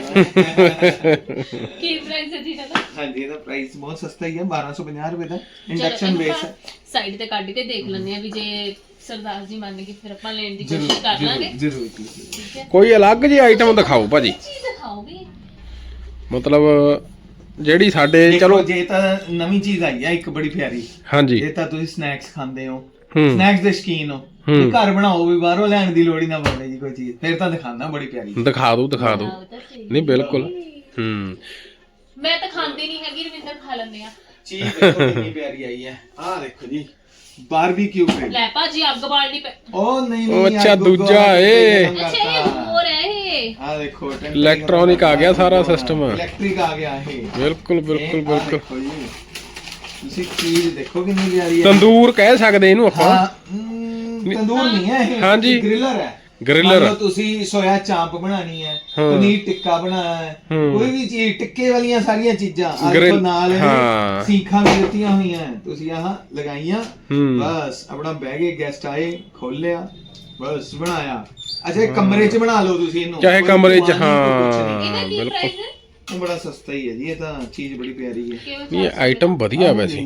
Speaker 1: ਕੀ ਪ੍ਰਾਈਸ ਹੈ ਜੀ ਇਹਦਾ?
Speaker 3: ਹਾਂਜੀ ਇਹਦਾ ਪ੍ਰਾਈਸ ਬਹੁਤ ਸਸਤਾ ਹੀ ਹੈ, ਬਾਰਾਂ ਸੌ ਪੰਜਾਹ ਰੁਪਏ ਦਾ। ਇੰਡਕਸ਼ਨ ਬੇਸ ਹੈ।
Speaker 1: ਸਾਈਡ ਤੇ ਕੱਢ ਕੇ ਦੇਖ ਲੈਂਦੇ ਆ ਵੀ ਜੇ ਸਰਦਾਰ ਜੀ ਮੰਨ ਗਏ ਫਿਰ ਆਪਾਂ ਲੈਣ ਦੀ ਕੋਸ਼ਿਸ਼ ਕਰ ਲਾਂਗੇ।
Speaker 3: ਜ਼ਰੂਰ ਜੀ।
Speaker 1: ਠੀਕ ਹੈ,
Speaker 2: ਕੋਈ ਅਲੱਗ ਜਿਹੀ ਆਈਟਮ ਦਿਖਾਓ ਭਾਜੀ,
Speaker 1: ਚੀਜ਼ ਦਿਖਾਓਗੇ।
Speaker 2: ਮਤਲਬ ਜਿਹੜੀ ਸਾਡੇ
Speaker 3: ਚਲੋ
Speaker 2: ਚਲੋ।
Speaker 3: ਜੇ ਤਾਂ ਨਵੀਂ ਚੀਜ਼ ਆਈ ਹੈ ਇੱਕ ਬੜੀ ਪਿਆਰੀ।
Speaker 2: ਹਾਂਜੀ
Speaker 3: ਇਹ ਤਾਂ ਤੁਸੀਂ ਸਨੈਕਸ ਖਾਂਦੇ ਹੋ,
Speaker 2: ਹੂੰ
Speaker 3: ਸਨੈਕਸ ਦੇ ਸ਼ੌਕੀਨ ਹੋ, ਵੀ ਘਰ ਬਣਾਓ ਵੀ ਬਾਹਰੋਂ ਲੈਣ ਦੀ ਲੋੜ ਹੀ ਨਾ ਪਵੇ ਜੀ ਕੋਈ ਚੀਜ਼। ਫਿਰ ਤਾਂ ਦਿਖਾਣਾ ਬੜੀ ਪਿਆਰੀ।
Speaker 2: ਦਿਖਾ ਦਿਓ ਦਿਖਾ ਦਿਓ।
Speaker 1: ਆਹ ਤਾਂ ਸਹੀ।
Speaker 2: ਨਹੀਂ ਬਿਲਕੁਲ। ਹੂੰ
Speaker 1: ਮੈਂ ਤਾਂ ਖਾਂਦੀ ਨਹੀਂ ਹੈਗੀ, ਰਵਿੰਦਰ ਖਾ ਲੈਂਦੇ ਆ।
Speaker 3: ਚੀਜ਼ ਦੇਖੋ ਕਿੰਨੀ ਪਿਆਰੀ ਆਈ ਹੈ। ਆਹ ਦੇਖੋ ਜੀ ਬਾਰਬੀਕਿਊ ਗ੍ਰਿਲ।
Speaker 1: ਲੈ ਭਾਜੀ ਅੱਗ ਬਾਲਣੀ ਪੈ।
Speaker 3: ਉਹ ਨਹੀਂ
Speaker 2: ਉਹ
Speaker 3: ਨਹੀਂ
Speaker 2: ਅੱਛਾ,
Speaker 3: ਆਹ ਗੁੱਗੂ
Speaker 2: ਦੂਜਾ
Speaker 3: ਵਾਲਾ
Speaker 2: ਏ।
Speaker 3: ਕੰਮ
Speaker 1: ਅੱਛਾ ਇਹ
Speaker 3: ਕਰਤਾ।
Speaker 1: ਹੋਰ ਹੈ ਇਹ।
Speaker 3: ਆਹ ਦੇਖੋ
Speaker 2: ਇਲੈਕਟ੍ਰੋਨਿਕ ਆ ਗਿਆ ਸਾਰਾ ਸਿਸਟਮ।
Speaker 3: ਇਲੈਕਟ੍ਰਿਕ ਆ ਗਿਆ ਇਹ।
Speaker 2: ਬਿਲਕੁਲ ਬਿਲਕੁਲ
Speaker 3: ਇਹ ਆਹ
Speaker 2: ਬਿਲਕੁਲ।
Speaker 3: ਦੇਖੋ ਜੀ, ਤੁਸੀਂ ਚੀਜ਼ ਦੇਖੋ ਕਿੰਨੀ ਪਿਆਰੀ ਹੈ।
Speaker 2: ਤੰਦੂਰ ਕਹਿ ਸਕਦੇ ਇਹਨੂੰ ਆਪਾਂ।
Speaker 3: ਹਾਂ ਹਮ, ਤੰਦੂਰ ਨਹੀਂ ਹੈ ਇਹ,
Speaker 2: ਹਾਂਜੀ।
Speaker 3: ਗ੍ਰਿਲਰ ਹੈ।
Speaker 2: ਗ੍ਰਿਲਰ।
Speaker 3: ਮੰਨ ਲਓ ਤੁਸੀਂ ਸੋਇਆ ਚਾਂਪ ਬਣਾਣੀ ਹੈ, ਪਨੀਰ ਟਿੱਕਾ ਬਣਾਉਣਾ ਹੈ, ਕੋਈ ਵੀ ਚੀਜ਼ ਟਿੱਕੇ ਵਾਲੀਆਂ ਸਾਰੀਆਂ ਚੀਜ਼ਾਂ ਆਹ ਦੇਖੋ ਨਾਲ
Speaker 2: ਹਾਂ।
Speaker 3: ਸੀਖਾਂ ਵੀ ਦਿੱਤੀਆਂ ਹੋਈਆਂ, ਤੁਸੀਂ ਆਹ ਲਗਾਈਆਂ,
Speaker 2: ਹੂੰ
Speaker 3: ਬਸ ਆਪਣਾ ਬਹਿ ਗਏ, ਗੈਸਟ ਆਏ, ਖੋਲਿਆ, ਬਸ ਬਣਾਇਆ। ਅੱਛਾ ਇਹ ਕਮਰੇ 'ਚ ਬਣਾ ਲਓ ਤੁਸੀਂ ਇਹਨੂੰ,
Speaker 2: ਚਾਹੇ
Speaker 3: ਕੋਈ
Speaker 2: ਕਮਰੇ 'ਚ।
Speaker 3: ਕੁਆਂ ਨਹੀਂ, ਕੋਈ ਕੁਛ
Speaker 2: ਹਾਂ
Speaker 3: ਨਹੀਂ।
Speaker 1: ਇਹਦਾ ਕੀ
Speaker 2: ਬਿਲਕੁਲ।
Speaker 1: ਪ੍ਰਾਈਸ ਹੈ?
Speaker 3: ਇਹ ਬੜਾ ਸਸਤਾ ਹੀ ਹੈ ਜੀ, ਇਹ ਤਾਂ ਚੀਜ਼ ਬੜੀ ਪਿਆਰੀ ਹੈ।
Speaker 1: ਕਿਵੇਂ
Speaker 2: ਨਹੀਂ ਆਈਟਮ ਵਧੀਆ ਵੈਸੇ,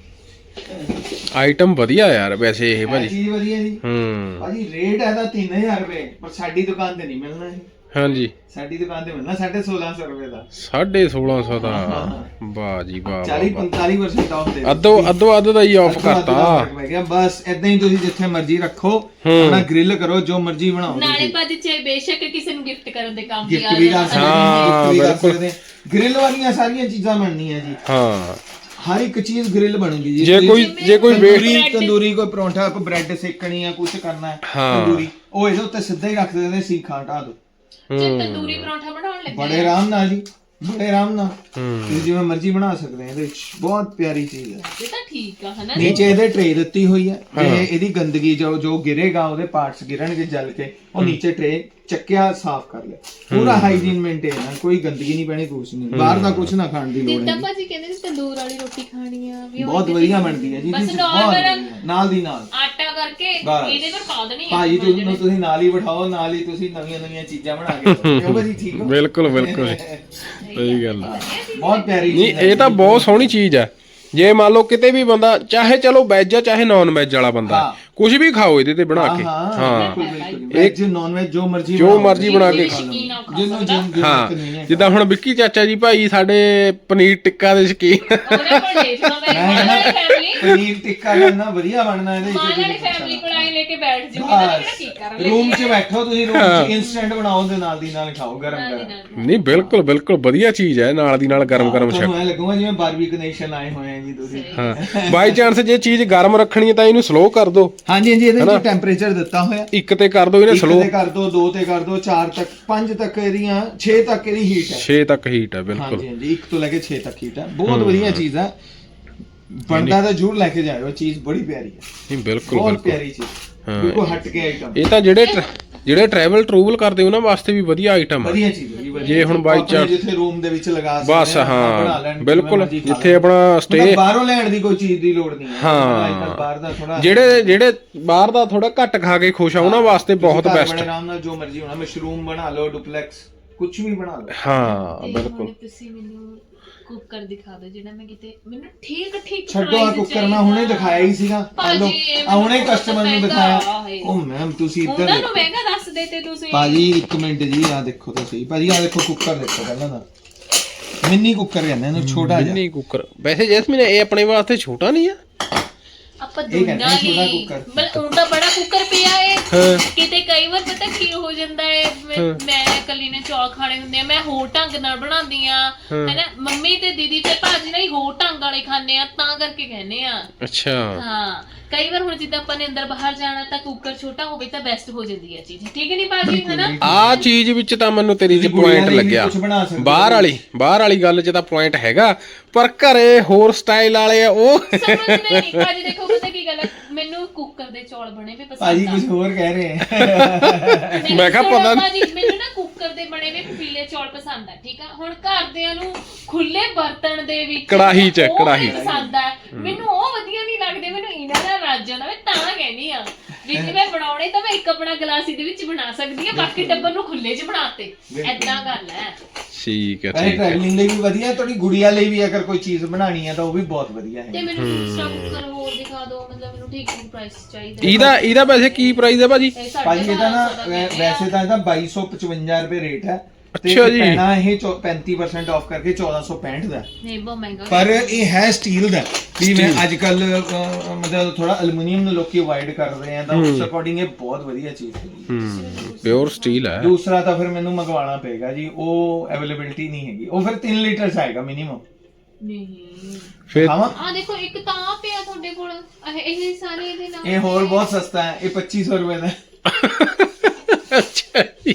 Speaker 2: ਆਈਟਮ ਵਧੀਆ ਯਾਰ ਵੈਸੇ ਇਹ
Speaker 3: ਇਹ
Speaker 2: ਭਾਜੀ।
Speaker 3: ਚੀਜ਼ ਵਧੀਆ ਜੀ
Speaker 2: ਹੂੰ
Speaker 3: ਭਾਜੀ। ਰੇਟ ਇਹਦਾ ਤਿੰਨ ਹਜ਼ਾਰ ਰੁਪਏ, ਪਰ ਸਾਡੀ ਦੁਕਾਨ ਤੇ ਨਹੀਂ ਮਿਲਣਾ ਇਹ।
Speaker 2: ਹਾਂਜੀ
Speaker 3: ਸਾਡੀ ਦੁਕਾਨ ਤੇ ਮਿਲਣਾ ਸਾਢੇ ਸੋਲਾਂ ਸੌ ਰੁਪਏ ਦਾ।
Speaker 2: ਸਾਢੇ ਸੋਲਾਂ ਸੌ ਦਾ। ਵਾਹ ਜੀ ਵਾਹ
Speaker 3: ਚਾਲੀ
Speaker 2: ਵਾਹ।
Speaker 3: ਪੰਤਾਲੀ ਪਰਸੈਂਟ ਆਫ ਦੇ
Speaker 2: ਅੱਧੋ ਅੱਧੋ ਅੱਧ ਦਾ ਹੀ ਆਫ ਕਰਤਾ।
Speaker 3: ਬਸ ਏਦਾਂ ਹੀ ਤੁਸੀਂ ਜਿੱਥੇ ਮਰਜ਼ੀ ਰੱਖੋ, ਆਪਣਾ ਗ੍ਰਿਲ ਕਰੋ, ਜੋ ਮਰਜ਼ੀ ਬਣਾਓ।
Speaker 1: ਨਾਲੇ ਭਾਜੀ ਚਾਹੇ ਬੇਸ਼ੱਕ ਕਿਸੇ ਨੂੰ ਗਿਫਟ ਕਰਨ ਦੇ ਕੰਮ ਵੀ ਆ
Speaker 3: ਗਿਫਟ ਵੀ ਕਰ ਸਕਦੇ
Speaker 2: ਹਾਂ,
Speaker 3: ਹਾਂ, ਗਿਫਟ ਵੀ ਕਰ
Speaker 2: ਬਿਲਕੁਲ।
Speaker 3: ਸਕਦੇ ਹਾਂ। ਗ੍ਰਿਲ ਵਾਲੀਆਂ ਸਾਰੀਆਂ ਚੀਜ਼ਾਂ ਬਣਨੀਆਂ ਜੀ,
Speaker 2: ਹਾਂ
Speaker 3: ਹਰ ਇੱਕ ਚੀਜ਼ ਗ੍ਰਿਲ ਬਣੂਗੀ ਜੀ।
Speaker 2: ਜੇ ਕੋਈ ਜੇ ਕੋਈ
Speaker 3: ਤੰਦੂਰੀ
Speaker 2: ਵੇਟ
Speaker 3: ਤੰਦੂਰੀ ਕੋਈ ਪਰੌਂਠਾ, ਕੋਈ ਬ੍ਰੈਡ ਸੇਕਣੀ ਆ, ਕੁਝ ਕਰਨਾ ਹੈ
Speaker 2: ਹਾਂ।
Speaker 3: ਤੰਦੂਰੀ, ਉਹ ਇਹਦੇ ਉੱਤੇ ਸਿੱਧਾ ਹੀ ਰੱਖ ਦਿੰਦੇ, ਸੀਖਾਂ ਹਟਾ ਦੋ,
Speaker 1: ਜੇ ਤੰਦੂਰੀ ਪਰੌਂਠਾ ਬਣਾਉਣ ਲੱਗੇ
Speaker 3: ਬੜੇ ਆਰਾਮ ਨਾਲ ਜੀ, ਬੜੇ ਆਰਾਮ ਨਾਲ
Speaker 2: ਹੂੰ
Speaker 3: ਤੁਸੀਂ ਜਿਵੇਂ ਮਰਜ਼ੀ ਬਣਾ ਸਕਦੇ ਆ। ਇਹਦੇ ਵਿੱਚ ਬਹੁਤ ਪਿਆਰੀ ਚੀਜ਼ ਹੈ।
Speaker 1: ਇਹ ਤਾਂ ਠੀਕ ਆ ਹਨਾ।
Speaker 3: ਨੀਚੇ ਇਹਦੇ ਟਰੇ ਦਿੱਤੀ ਹੋਈ ਹੈ, ਤੇ ਇਹਦੀ ਗੰਦਗੀ ਜੋ ਜੋ ਗਿਰੇਗਾ, ਉਹਦੇ ਪਾਰਟਸ ਗਿਰਣਗੇ ਜਲ ਕੇ, ਉਹ ਨੀਚੇ ਟਰੇ ਚੱਕਿਆ, ਸਾਫ਼ ਕਰ ਲਿਆ, ਪੂਰਾ ਹਾਈਜੀਨ ਮੇਨਟੇਨ ਹੈ, ਕੋਈ ਗੰਦਗੀ ਨਹੀਂ ਪੈਣੀ, ਕੁਛ ਨਹੀਂ, ਬਾਹਰ ਦਾ ਕੁਛ ਨਾ ਖਾਣ ਦੀ ਲੋੜ
Speaker 1: ਜਿੱਦਾਂ
Speaker 3: ਹੈ।
Speaker 1: ਭਾਜੀ ਕਹਿੰਦੇ ਸੀ ਤੰਦੂਰ ਵਾਲੀ ਰੋਟੀ ਖਾਣੀ ਆ ਵੀ ਉਹ
Speaker 3: ਬਹੁਤ ਵਧੀਆ ਬਣਦੀ ਹੈ ਜੀ,
Speaker 1: ਬਸ
Speaker 3: ਇਹਦੇ ਵਿੱਚ ਬਹੁਤ
Speaker 1: normal
Speaker 3: ਵਧੀਆ। ਨਾਲ ਦੀ ਨਾਲ
Speaker 1: ਆਟਾ ਕਰਕੇ
Speaker 3: ਬਸ।
Speaker 1: ਇਹਦੇ ਪਰ ਪਾ ਦੇਣੀ
Speaker 3: ਭਾਜੀ ਤੁਹਾਨੂੰ ਤੁਸੀਂ ਨਾਲ ਹੀ ਬਿਠਾਓ, ਨਾਲ ਹੀ ਤੁਸੀਂ ਨਵੀਆਂ ਨਵੀਆਂ ਚੀਜ਼ਾਂ ਬਣਾ ਕੇ ਦਿਓ। ਕਿਉਂ ਭਾਜੀ ਠੀਕ ਹੋ?
Speaker 2: ਬਿਲਕੁਲ ਬਿਲਕੁਲ ਸਹੀ ਗੱਲ ਆ।
Speaker 3: ਬਹੁਤ ਪਿਆਰੀ
Speaker 2: ਨਹੀਂ
Speaker 3: ਚੀਜ਼ ਹੈ
Speaker 2: ਇਹ ਤਾਂ ਬਹੁਤ ਸੋਹਣੀ ਚੀਜ਼ ਆ। ਜੇ ਮੰਨ ਲਓ ਕਿਤੇ ਵੀ ਬੰਦਾ ਚਾਹੇ ਚਲੋ ਵੈਜ ਆ ਚਾਹੇ ਨਾਨ ਵੈਜ ਵਾਲਾ ਬੰਦਾ,
Speaker 3: ਹਾਂ।
Speaker 2: ਕੁਝ ਵੀ ਖਾਓ ਇਹਦੇ ਤੇ ਬਣਾ ਕੇ
Speaker 3: ਹਾਂ
Speaker 2: ਹਾਂ
Speaker 3: ਬਿਲਕੁਲ ਬਿਲਕੁਲ ਵੈਜ ਨੌਨ ਵੈਜ ਜੋ ਮਰਜ਼ੀ
Speaker 2: ਜੋ
Speaker 3: ਬਣਾਓ।
Speaker 2: ਮਰਜ਼ੀ ਬਣਾ ਕੇ
Speaker 1: ਖਾ ਲਓ।
Speaker 3: ਜਿਹਨੂੰ ਜਿੰਨ
Speaker 2: ਹਾਂ ਜਿੱਦਾਂ ਹੁਣ ਵਿੱਕੀ ਚਾਚਾ ਜੀ ਭਾਈ ਸਾਡੇ ਪਨੀਰ ਟਿੱਕਾ ਦੇ ਸ਼ੌਕੀਨ
Speaker 1: ਉਹਨੇ ਕੋਲ ਦੇਖਣਾ ਮੈਂ ਮਾਂ ਵਾਲੀ ਫੈਮਿਲੀ
Speaker 3: ਪਨੀਰ ਟਿੱਕਾ ਕਰਨਾ ਵਧੀਆ ਬਣਨਾ ਇਹਦੇ
Speaker 1: ਮਾਂ ਵਾਲੀ ਫੈਮਿਲੀ ਕੋਲ ਆਏ ਲੈ ਕੇ ਬੈਠ ਜੂਗੀ ਤਾਂ ਕਿਹੜਾ ਕੀ ਕਰਾਂਗੇ
Speaker 3: ਰੂਮ 'ਚ ਬੈਠੋ ਤੁਸੀਂ ਰੂਮ 'ਚ ਇਨਸਟੈਂਟ ਬਣਾਓ ਤੇ ਨਾਲ ਦੀ ਨਾਲ ਖਾਓ ਗਰਮ ਗਰਮ
Speaker 2: ਨਹੀਂ ਬਿਲਕੁਲ ਬਿਲਕੁਲ ਵਧੀਆ ਚੀਜ਼ ਹੈ ਨਾਲ ਦੀ ਨਾਲ ਗਰਮ ਗਰਮ ਛਕ
Speaker 3: ਤੁਹਾਨੂੰ ਐ ਲੱਗੂਗਾ ਜਿਵੇਂ ਬਾਰਬੀਕਿਊ ਨੇਸ਼ਨ ਆਏ ਹੋਏ ਆ ਜੀ ਤੁਸੀਂ
Speaker 2: ਹਾਂ ਬਾਈ ਚਾਂਸ ਜੇ ਚੀਜ਼ ਗਰਮ ਰੱਖਣੀ ਹੈ ਤਾਂ ਇਹਨੂੰ ਸਲੋ ਕਰ ਦਿਓ
Speaker 3: ਹਾਂਜੀ ਹਾਂਜੀ ਇਹਦੇ ਵਿੱਚ ਟੈਂਪਰੇਚਰ ਦਿੱਤਾ ਹੋਇਆ
Speaker 2: ਇੱਕ ਤੇ ਕਰ ਦਿਓ ਇਹਨੇ
Speaker 3: ਇੱਕ
Speaker 2: ਸਲੋ
Speaker 3: ਤੇ ਕਰ ਦੋ ਦੋ ਤੇ ਕਰ ਦੋ ਚਾਰ ਤੱਕ ਪੰਜ ਤੱਕ ਇਹਦੀਆਂ ਛੇ ਤੱਕ ਇਹਦੀ ਹੀਟ ਹੈ
Speaker 2: ਛੇ ਤੱਕ ਹੀਟ ਹੈ ਬਿਲਕੁਲ
Speaker 3: ਹਾਂਜੀ ਹਾਂਜੀ ਇੱਕ ਤੋਂ ਲੈ ਕੇ ਛੇ ਤੱਕ ਹੀਟ ਹੈ ਬਹੁਤ ਵਧੀਆ ਚੀਜ਼ ਹੈ ਬਣਦਾ ਤਾਂ ਜ਼ਰੂਰ ਲੈ ਕੇ ਜਾਇਓ ਚੀਜ਼ ਬੜੀ ਪਿਆਰੀ ਹੈ
Speaker 2: ਨਹੀਂ ਬਿਲਕੁਲ
Speaker 3: ਬਹੁਤ
Speaker 2: ਬਿਲਕੁਲ
Speaker 3: ਪਿਆਰੀ ਚੀਜ਼ ਬਿਲਕੁਲ ਹਟ ਕੇ ਆਈਟਮ
Speaker 2: ਇਹ ਤਾਂ ਜਿਹੜੇ ਟਰ- ਜਿਹੜੇ ਟਰੈਵਲ ਟਰੂਵਲ ਕਰਦੇ ਉਹਨਾਂ ਵਾਸਤੇ ਵੀ ਵਧੀਆ ਆਈਟਮ ਆ
Speaker 3: ਵਧੀਆ ਚੀਜ਼ ਹੈ ਜੀ, ਵਧੀਆ
Speaker 2: ਜੇ ਹੁਣ
Speaker 3: ਚੀਜ਼।
Speaker 2: ਬਾਈ
Speaker 3: ਆਪਣੇ
Speaker 2: ਚਾਂਸ
Speaker 3: ਜਿੱਥੇ ਰੂਮ ਦੇ ਵਿੱਚ ਲਗਾ ਸਕਦੇ
Speaker 2: ਬਸ
Speaker 3: ਆ, ਆਪਣਾ ਬਣਾ
Speaker 2: ਹਾਂ
Speaker 3: ਲੈਣ,
Speaker 2: ਬਿਲਕੁਲ
Speaker 3: ਜਿਵੇਂ ਮਰਜ਼ੀ ਖਾ
Speaker 2: ਜਿੱਥੇ
Speaker 3: ਲੈਣ।
Speaker 2: ਆਪਣਾ ਸਟੇ
Speaker 3: ਮਤਲਬ ਬਾਹਰੋਂ ਲੈਣ ਦੀ ਕੋਈ ਚੀਜ਼ ਦੀ ਲੋੜ ਨਹੀਂ ਹੈ
Speaker 2: ਹਾਂ।
Speaker 3: ਅੱਜ-ਕੱਲ੍ਹ ਬਾਹਰ ਦਾ ਥੋੜਾ
Speaker 2: ਜਿਹੜੇ ਜਿਹੜੇ ਬਾਹਰ ਦਾ ਥੋੜਾ ਘੱਟ ਖਾ ਕੇ ਖੁਸ਼ ਆ ਉਹਨਾਂ ਵਾਸਤੇ ਬਹੁਤ ਬੈਸਟ
Speaker 3: ਬੜੇ ਆਰਾਮ ਨਾਲ ਜੋ ਮਰਜ਼ੀ ਹੋਣਾ ਮਸ਼ਰੂਮ ਬਣਾ ਲਓ ਡੁਪਲੈਕਸ ਕੁਝ ਵੀ ਬਣਾ ਲਓ
Speaker 2: ਹਾਂ ਬਿਲਕੁਲ
Speaker 1: ਤੁਸੀਂ ਮੈਨੂੰ ਕੁੱਕਰ ਦਿਖਾ ਦਿਓ ਜਿਹੜਾ ਮੈਂ ਕਿਤੇ ਮੈਨੂੰ ਠੀਕ ਠੀਕ
Speaker 3: ਛੱਡੋ ਆ ਕੁੱਕਰ ਮੈਂ ਹੁਣੇ ਦਿਖਾਇਆ ਹੀ ਸੀਗਾ
Speaker 1: ਭਾਜੀ,
Speaker 3: ਆ ਹੁਣੇ ਕਸਟਮਰ ਨੂੰ
Speaker 1: ਮਹਿੰਗਾ
Speaker 3: ਦਿਖਾਇਆ
Speaker 1: ਹੈ।
Speaker 3: ਉਹ ਮੈਮ ਤੁਸੀਂ ਇੱਧਰ
Speaker 1: ਉਹਨਾਂ ਨੂੰ
Speaker 3: ਦੇਖੋ
Speaker 1: ਮਹਿੰਗਾ ਦੱਸ ਦੇਤੇ ਤੁਸੀਂ
Speaker 3: ਭਾਜੀ ਇੱਕ ਮਿੰਟ ਜੀ ਆ ਦੇਖੋ ਤਾਂ ਸਹੀ ਭਾਜੀ ਆ ਦੇਖੋ ਕੁੱਕਰ ਦੇਖੋ ਪਹਿਲਾਂ ਤਾਂ ਮਿੰਨੀ ਕੁੱਕਰ ਕਹਿੰਦੇ ਇਹਨੂੰ ਛੋਟਾ ਜਿਹਾ
Speaker 2: ਨਹੀਂ ਕੁੱਕਰ ਵੈਸੇ ਜੈਸਮੀਨ ਇਹ ਆਪਣੇ ਵਾਸਤੇ ਛੋਟਾ ਨਹੀਂ ਆ
Speaker 1: ਆਪਾਂ
Speaker 3: ਇਹ ਕਹਿੰਦੇ
Speaker 1: ਦੁਨੀਆ
Speaker 3: ਆ ਛੋਟਾ
Speaker 1: ਹੀ
Speaker 3: ਕੁੱਕਰ।
Speaker 1: ਬਲ ਉਹ ਤਾਂ ਬੜਾ ਕੁੱਕਰ ਪਿਆ ਏ
Speaker 2: ਹਾਂ।
Speaker 1: ਕਿਤੇ ਕਈ ਵਾਰ ਪਤਾ ਕੀ ਹੋ ਜਾਂਦਾ ਏ ਮੈਂ- ਮੈਂ ਇਕੱਲੀ ਨੇ ਚੌਲ ਖਾਣੇ ਹੁੰਦੇ ਆ ਮੈਂ ਹੋਰ ਢੰਗ ਨਾਲ ਬਣਾਉਂਦੀ ਆ ਹੈਨਾ ਮੰਮੀ ਤੇ ਦੀਦੀ ਤੇ ਭਾਜੀ ਨਹੀਂ ਹੋਰ ਢੰਗ ਵਾਲੇ ਖਾਂਦੇ ਆ ਤਾਂ ਕਰਕੇ ਕਹਿੰਦੇ ਆ
Speaker 2: ਅੱਛਾ
Speaker 1: ਹਾਂ ਕਈ ਵਾਰ ਹੁਣ ਜਿੱਦਾਂ ਆਪਾਂ ਨੇ ਅੰਦਰ ਬਾਹਰ ਜਾਣਾ ਤਾਂ ਕੁੱਕਰ ਛੋਟਾ ਹੋਵੇ ਤਾਂ ਬੈਸਟ ਹੋ ਜਾਂਦੀ ਹੈ ਚੀਜ਼ ਠੀਕ ਹੈ ਨਹੀਂ ਭਾਜੀ ਹੈਨਾ
Speaker 2: ਆ ਚੀਜ਼ ਵਿੱਚ ਤਾਂ ਮੈਨੂੰ ਤੇਰੀ ਚ ਪੁਆਇੰਟ ਲੱਗਿਆ
Speaker 3: ਕੁਝ ਬਣਾ ਸਕਦੇ
Speaker 2: ਬਾਹਰ ਵਾਲੀ ਬਾਹਰ ਵਾਲੀ ਗੱਲ 'ਚ ਤਾਂ ਪੁਆਇੰਟ ਹੈਗਾ ਪਰ ਘਰੇ ਹੋਰ ਸਟਾਈਲ ਵਾਲੇ ਆ ਉਹ
Speaker 1: ਸਮਝਦੇ ਨਹੀਂ ਭਾਜੀ ਦੇਖੋ ਪਤਾ ਕੀ ਗੱਲ ਹੈ ਮੈਨੂੰ ਕੁੱਕਰ ਦੇ ਚੌਲ ਬਣੇ ਵੀ
Speaker 3: ਭਾਜੀ
Speaker 1: ਪਸੰਦ ਆ
Speaker 3: ਕੁਝ ਹੋਰ ਕਹਿ ਰਹੇ ਹੈ
Speaker 2: ਮੈਂ ਕਿਹਾ ਪਤਾ ਨੀ।
Speaker 1: ਭਾਜੀ ਮੈਨੂੰ ਨਾ ਕੁੱਕਰ ਦੇ ਬਣੇ ਵੀ ਪੀਲੇ ਚੌਲ ਪਸੰਦ ਆ ਠੀਕ ਆ ਹੁਣ ਘਰਦਿਆਂ ਨੂੰ ਖੁੱਲੇ ਬਰਤਨ ਦੇ ਵਿੱਚ
Speaker 2: ਕੜਾਹੀ 'ਚ,
Speaker 1: ਉਹ
Speaker 2: ਕੜਾਹੀ 'ਚ।
Speaker 1: ਪਸੰਦ ਆ ਮੈਨੂੰ ਉਹ ਵਧੀਆ ਨਹੀਂ ਲੱਗਦੇ ਮੈਨੂੰ ਇਹਨਾਂ ਦਾ ਰਾਜ ਜਾਂਦਾ ਮੈਂ ਤਾਂ ਕਹਿੰਦੀ ਆ ਵੀ ਜੇ ਮੈਂ ਬਣਾਉਣੇ ਤਾਂ ਮੈਂ ਇੱਕ ਆਪਣਾ ਗਲਾਸ ਇਹਦੇ ਵਿੱਚ ਬਣਾ ਸਕਦੀ ਆ ਬਾਕੀ ਟੱਬਰ ਨੂੰ ਖੁੱਲੇ 'ਚ ਬਣਾਤੇ ਐਦਾਂ ਗੱਲ ਹੈ
Speaker 2: ਠੀਕ ਹੈ
Speaker 3: ਇਹ
Speaker 2: ਠੀਕ ਹੈ
Speaker 3: ਟਰੈਵਲਿੰਗ ਲਈ ਵੀ ਵਧੀਆ ਤੁਹਾਡੀ ਗੁੜੀਆ ਲਈ ਵੀ ਅਗਰ ਕੋਈ ਚੀਜ਼ ਬਣਾਉਣੀ ਹੈ ਤਾਂ ਉਹ ਵੀ ਬਹੁਤ ਵਧੀਆ
Speaker 1: ਤੇ
Speaker 3: ਹੈ
Speaker 1: ਮੈਨੂੰ ਦੂਸਰਾ ਕੁੱਕਰ ਹੋਰ ਦਿਖਾ ਦਿਓ ਮਤਲਬ ਮੈਨੂੰ ਠੀਕ ਠੀਕ ਪ੍ਰਾਈਸ ਚਾਹੀਦਾ
Speaker 2: ਇਹਦਾ ਇਹਦਾ ਵੈਸੇ ਕੀ ਪ੍ਰਾਈਸ ਹੈ ਭਾਜੀ
Speaker 1: ਇਹ ਸਾਢੇ
Speaker 3: ਭਾਜੀ ਇਹਦਾ ਨਾ
Speaker 1: ਬਾਰਾਂ ਸੌ ਦਾ ਕਹਿੰਦੇ ਆ।
Speaker 3: ਵੈਸੇ ਤਾਂ ਇਹਦਾ ਬਾਈ ਸੌ ਪਚਵੰਜਾ ਰੁਪਏ ਰੇਟ ਹੈ ਤੇ
Speaker 2: ਅੱਛਾ ਜੀ।
Speaker 3: ਪੈਣਾ ਇਹ ਚੌ- ਪੈਂਤੀ ਪਰਸੈਂਟ ਆਫ ਕਰਕੇ ਚੌਦਾਂ ਸੌ ਪੈਂਹਠ ਦਾ
Speaker 1: ਨਹੀਂ ਬਹੁਤ ਮਹਿੰਗਾ
Speaker 3: ਪਰ ਇਹ ਹੈ ਸਟੀਲ ਦਾ ਵੀ ਮੈਂ ਅੱਜ ਕੱਲ ਮਤਲਬ ਥੋੜਾ ਐਲੂਮੀਨੀਅਮ ਨੂੰ ਲੋਕੀ ਅਵਾਇਡ ਕਰ ਰਹੇ ਆ ਤਾਂ ਉਸ ਅਕੋਰਡਿੰਗ ਇਹ ਬਹੁਤ ਵਧੀਆ ਚੀਜ਼ ਹੈ
Speaker 2: ਹੂੰ ਪਿਓਰ ਸਟੀਲ ਹੈ
Speaker 3: ਦੂਸਰਾ ਤਾਂ ਫਿਰ ਮੈਨੂੰ ਮੰਗਵਾਉਣਾ ਪਏਗਾ ਜੀ ਉਹ ਅਵੇਲੇਬਿਲਿਟੀ ਨਹੀਂ ਹੈਗੀ ਉਹ ਫਿਰ ਤਿੰਨ ਲੀਟਰ ਚ ਆਏਗਾ ਮਿਨੀਮਮ
Speaker 1: ਨਹੀਂ
Speaker 2: ਫਿਰ
Speaker 3: ਖਾਵਾਂ
Speaker 1: ਆ ਦੇਖੋ ਇੱਕ ਤਾਂ ਆਹ ਪਿਆ ਤੁਹਾਡੇ ਕੋਲ ਇਹ ਇਹ ਸਾਰੇ ਇਹਦੇ ਨਾਲ
Speaker 3: ਇਹ ਹੋਰ ਬਹੁਤ ਸਸਤਾ ਹੈ ਇਹ ਪੱਚੀ ਸੌ ਰੁਪਏ ਦਾ
Speaker 2: ਅੱਛਾ ਜੀ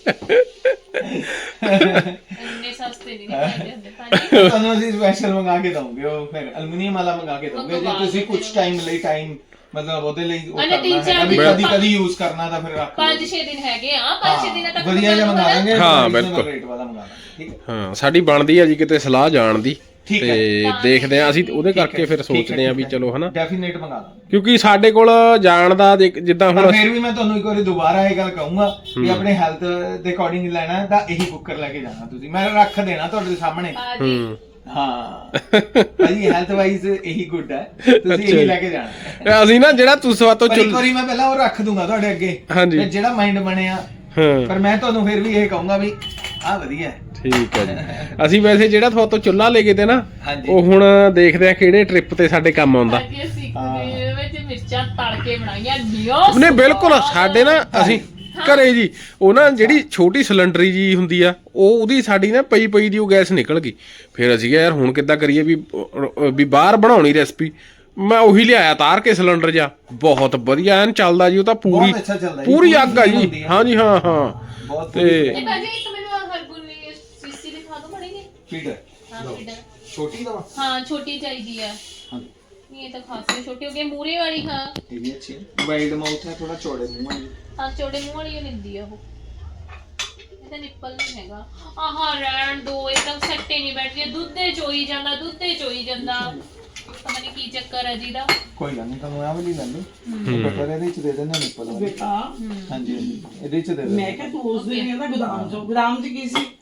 Speaker 1: ਇੰਨੇ ਸਸਤੇ ਨਹੀਂ ਨਿਕਲਦੇ ਹੁੰਦੇ ਭਾਜੀ
Speaker 3: ਤੁਹਾਨੂੰ ਅਸੀਂ ਸਪੈਸ਼ਲ ਮੰਗਾ ਕੇ ਦਵਾਂਗੇ ਉਹ ਫਿਰ ਐਲੂਮੀਨੀਅਮ ਵਾਲਾ ਮੰਗਾ ਕੇ ਦਵਾਂਗੇ ਜੇ ਤੁਸੀਂ ਕੁਝ ਟਾਈਮ ਲਈ ਟਾਈਮ ਮਤਲਬ ਉਹਦੇ ਲਈ ਉਹ
Speaker 1: ਅਨੇ ਤਿੰਨ
Speaker 3: ਕਰਨਾ
Speaker 1: ਚਾਰ
Speaker 3: ਹੈ ਕਦੀ
Speaker 1: ਦਿਨ
Speaker 3: ਕਦੀ ਕਦੀ ਯੂਜ਼ ਕਰਨਾ ਤਾਂ ਫਿਰ ਰੱਖ ਲਓ।
Speaker 1: ਪੰਜ ਛੇ ਦਿਨ ਹੈਗੇ ਆ ਪੰਜ ਛੇ ਦਿਨਾਂ ਤੱਕ
Speaker 3: ਵਧੀਆ ਜਿਹਾ ਮੰਗਾ ਲਾਂਗੇ
Speaker 2: ਹਾਂ,
Speaker 3: reasonable
Speaker 2: ਬਿਲਕੁਲ।
Speaker 3: rate ਵਾਲਾ ਮੰਗਾ ਲਾਂਗੇ ਠੀਕ ਹੈ
Speaker 2: ਹਾਂ ਸਾਡੀ ਬਣਦੀ ਆ ਜੀ ਕਿਤੇ ਸਲਾਹ ਜਾਣ ਦੀ
Speaker 3: ਠੀਕ ਹੈ।
Speaker 2: ਤੇ ਦੇਖਦੇ ਆ ਅਸੀਂ ਉਹਦੇ ਕਰਕੇ ਫਿਰ ਸੋਚਦੇ ਆ ਵੀ ਚਲੋ ਹਨਾ
Speaker 3: ਡੈਫੀਨੇਟ ਮੰਗਾ ਲਾਂਗੇ
Speaker 2: ਕਿਉਂਕਿ ਸਾਡੇ ਕੋਲ ਜਾਣ ਦਾ ਦੇਖ- ਜਿੱਦਾਂ
Speaker 3: ਪਰ
Speaker 2: ਹੁਣ
Speaker 3: ਫਿਰ ਵੀ ਮੈਂ ਤੁਹਾਨੂੰ ਇੱਕ ਵਾਰੀ ਦੁਬਾਰਾ ਇਹ ਗੱਲ ਕਹੂੰਗਾ ਵੀ ਆਪਣੇ ਹੈਲਥ ਦੇ ਅਕੋਰਡਿੰਗ ਲੈਣਾ ਹੈ ਤਾਂ ਇਹੀ ਕੁੱਕਰ ਲੈ ਕੇ ਜਾਣਾ ਤੁਸੀਂ ਮੈਂ ਰੱਖ ਦੇਣਾ ਤੁਹਾਡੇ ਸਾਹਮਣੇ
Speaker 1: ਭਾਜੀ
Speaker 2: ਹੂੰ
Speaker 3: ਹਾਂ ਭਾਜੀ ਹੈਲਥ ਵਾਈਜ਼ ਇਹੀ ਗੁੱਡ ਹੈ ਤੁਸੀਂ ਇਹੀ ਲੈ ਕੇ ਜਾਣਾ ਹੈ।
Speaker 2: ਅਸੀਂ ਨਾ ਜਿਹੜਾ ਤੁਸੀਂ ਤੋਂ
Speaker 3: ਪਰ ਇੱਕ ਵਾਰੀ ਮੈਂ ਪਹਿਲਾਂ ਉਹ ਰੱਖ ਦੂੰਗਾ ਤੁਹਾਡੇ ਅੱਗੇ
Speaker 2: ਹਾਂਜੀ।
Speaker 3: ਫਿਰ ਜਿਹੜਾ ਮਾਈਂਡ ਬਣਿਆ
Speaker 2: ਹਾਂ
Speaker 3: ਪਰ ਮੈਂ ਤੁਹਾਨੂੰ ਫਿਰ ਵੀ ਇਹ ਕਹੂੰਗਾ ਵੀ ਆਹ ਵਧੀਆ ਹੈ
Speaker 2: ਠੀਕ ਹੈ ਜੀ ਅਸੀਂ ਵੈਸੇ ਜਿਹੜਾ ਤੁਹਾਤੋਂ ਚੁੱਲ੍ਹਾ ਲੈ ਕੇ ਤੇ ਨਾ
Speaker 3: ਹਾਂਜੀ।
Speaker 2: ਉਹ ਹੁਣ ਦੇਖਦੇ ਆ ਕਿਹੜੇ ਟ੍ਰਿਪ ਤੇ ਸਾਡੇ ਕੰਮ ਆਉਂਦਾ
Speaker 1: ਭਾਜੀ ਅਸੀਂ ਇੱਕ ਦਿਨ ਦੇ ਵਿੱਚ ਮਿਰਚਾਂ ਤਲ ਕੇ ਬਣਾਈਆਂ ਨਿਓ
Speaker 2: ਨਹੀਂ ਬਿਲਕੁਲ ਸਾਡੇ ਨਾ ਅਸੀਂ ਘਰੇ ਜੀ ਉਹ ਨਾ ਜਿਹੜੀ ਛੋਟੀ ਸਿਲੰਡਰੀ ਜੀ ਹੁੰਦੀ ਆ ਉਹ ਉਹਦੀ ਸਾਡੀ ਨਾ ਪਈ ਪਈ ਦੀ ਉਹ ਗੈਸ ਨਿਕਲ ਗਈ ਫਿਰ ਅਸੀਂ ਕਿਹਾ ਯਾਰ ਹੁਣ ਕਿੱਦਾਂ ਕਰੀਏ ਵੀ ਵੀ ਬਾਹਰ ਬਣਾਉਣੀ ਰੈਸਪੀ ਮੈਂ ਉਹੀ ਲਿਆਇਆ ਤਾਰ ਕੇ ਸਿਲੰਡਰ ਜਾ ਬਹੁਤ ਵਧੀਆ ਐਨ ਚੱਲਦਾ ਜੀ ਉਹ ਤਾਂ ਪੂਰੀ
Speaker 3: ਬਹੁਤ ਅੱਛਾ ਚੱਲਦਾ ਜੀ,
Speaker 2: ਪੂਰੀ
Speaker 3: ਪੂਰੀ
Speaker 2: ਅੱਗ ਆ ਜੀ
Speaker 3: ਹੁੰਦੀ ਆ।
Speaker 2: ਹਾਂ ਜੀ ਹਾਂ ਹਾਂ
Speaker 3: ਬਹੁਤ
Speaker 2: ਤੇ
Speaker 1: ਤੇ ਭਾਜੀ ਇੱਕ ਮੈਨੂੰ ਆਹ ਹਰਗੁਣ ਲਈ ਸੀਸੀ ਦਿਖਾ ਦਿਓ ਮੜੇਗੇ
Speaker 3: ਫੀਡਰ
Speaker 1: ਹਾਂ ਫੀਡਰ
Speaker 3: ਛੋਟੀ ਦਾ
Speaker 1: ਹਾਂ ਛੋਟੀ ਚਾਹੀਦੀ ਆ
Speaker 3: ਹਾਂ
Speaker 1: ਨਹੀਂ ਇਹ ਤਾਂ ਖਾਸੀ ਛੋਟੀ ਹੋ ਗਈ ਮੂਰੇ ਵਾਲੀ ਹਾਂ
Speaker 3: ਇਹ ਵੀ ਅੱਛੀ ਹੈ ਵਾਈਡ ਮਾਊਥ ਹੈ ਥੋੜਾ ਚੌੜੇ ਮੂੰਹ ਹੈ ਜੀ।
Speaker 1: ਹਾਂ ਚੌੜੇ ਮੂੰਹ ਵਾਲੀ ਓ ਲੈਂਦੀ ਆ ਉਹ ਇਹਦਾ ਨਿੱਪਲ ਨਹੀਂ ਹੈਗਾ ਆਹ ਰਹਿਣ ਦੋ ਇੱਕਦਮ ਸੱਟੇ ਨਹੀਂ ਬੈਠ ਰਹੀ ਦੁੱਧੇ ਚੋਈ ਜਾਂਦਾ ਦੁੱਧੇ ਚੋਈ ਜਾਂਦਾ ਪਤਾ ਨਹੀਂ ਕੀ ਚੱਕਰ ਹੈ ਜੀ ਦਾ
Speaker 3: ਕੋਈ ਗੱਲ ਨਹੀਂ ਤੁਹਾਨੂੰ ਆਹ ਵਾਲੀ ਲੈ ਲਓ ਬਟਰ ਇਹਦੇ ਵਿੱਚ ਦੇ ਦੇਣਾ ਨਿੱਪਲ ਵਾਲੀ
Speaker 4: ਬੇਟਾ
Speaker 3: ਹਾਂਜੀ ਹਾਂਜੀ ਇਹਦੇ ਵਿੱਚ ਦੇ ਦੇਣਾ
Speaker 4: ਮੈਂ ਕਿਹਾ ਤੂੰ ਉਸ ਦਿਨ ਇਹਦਾ ਗੋਦਾਮ ਚੋਂ ਗੋਦਾਮ ਚ ਕੀ ਸੀ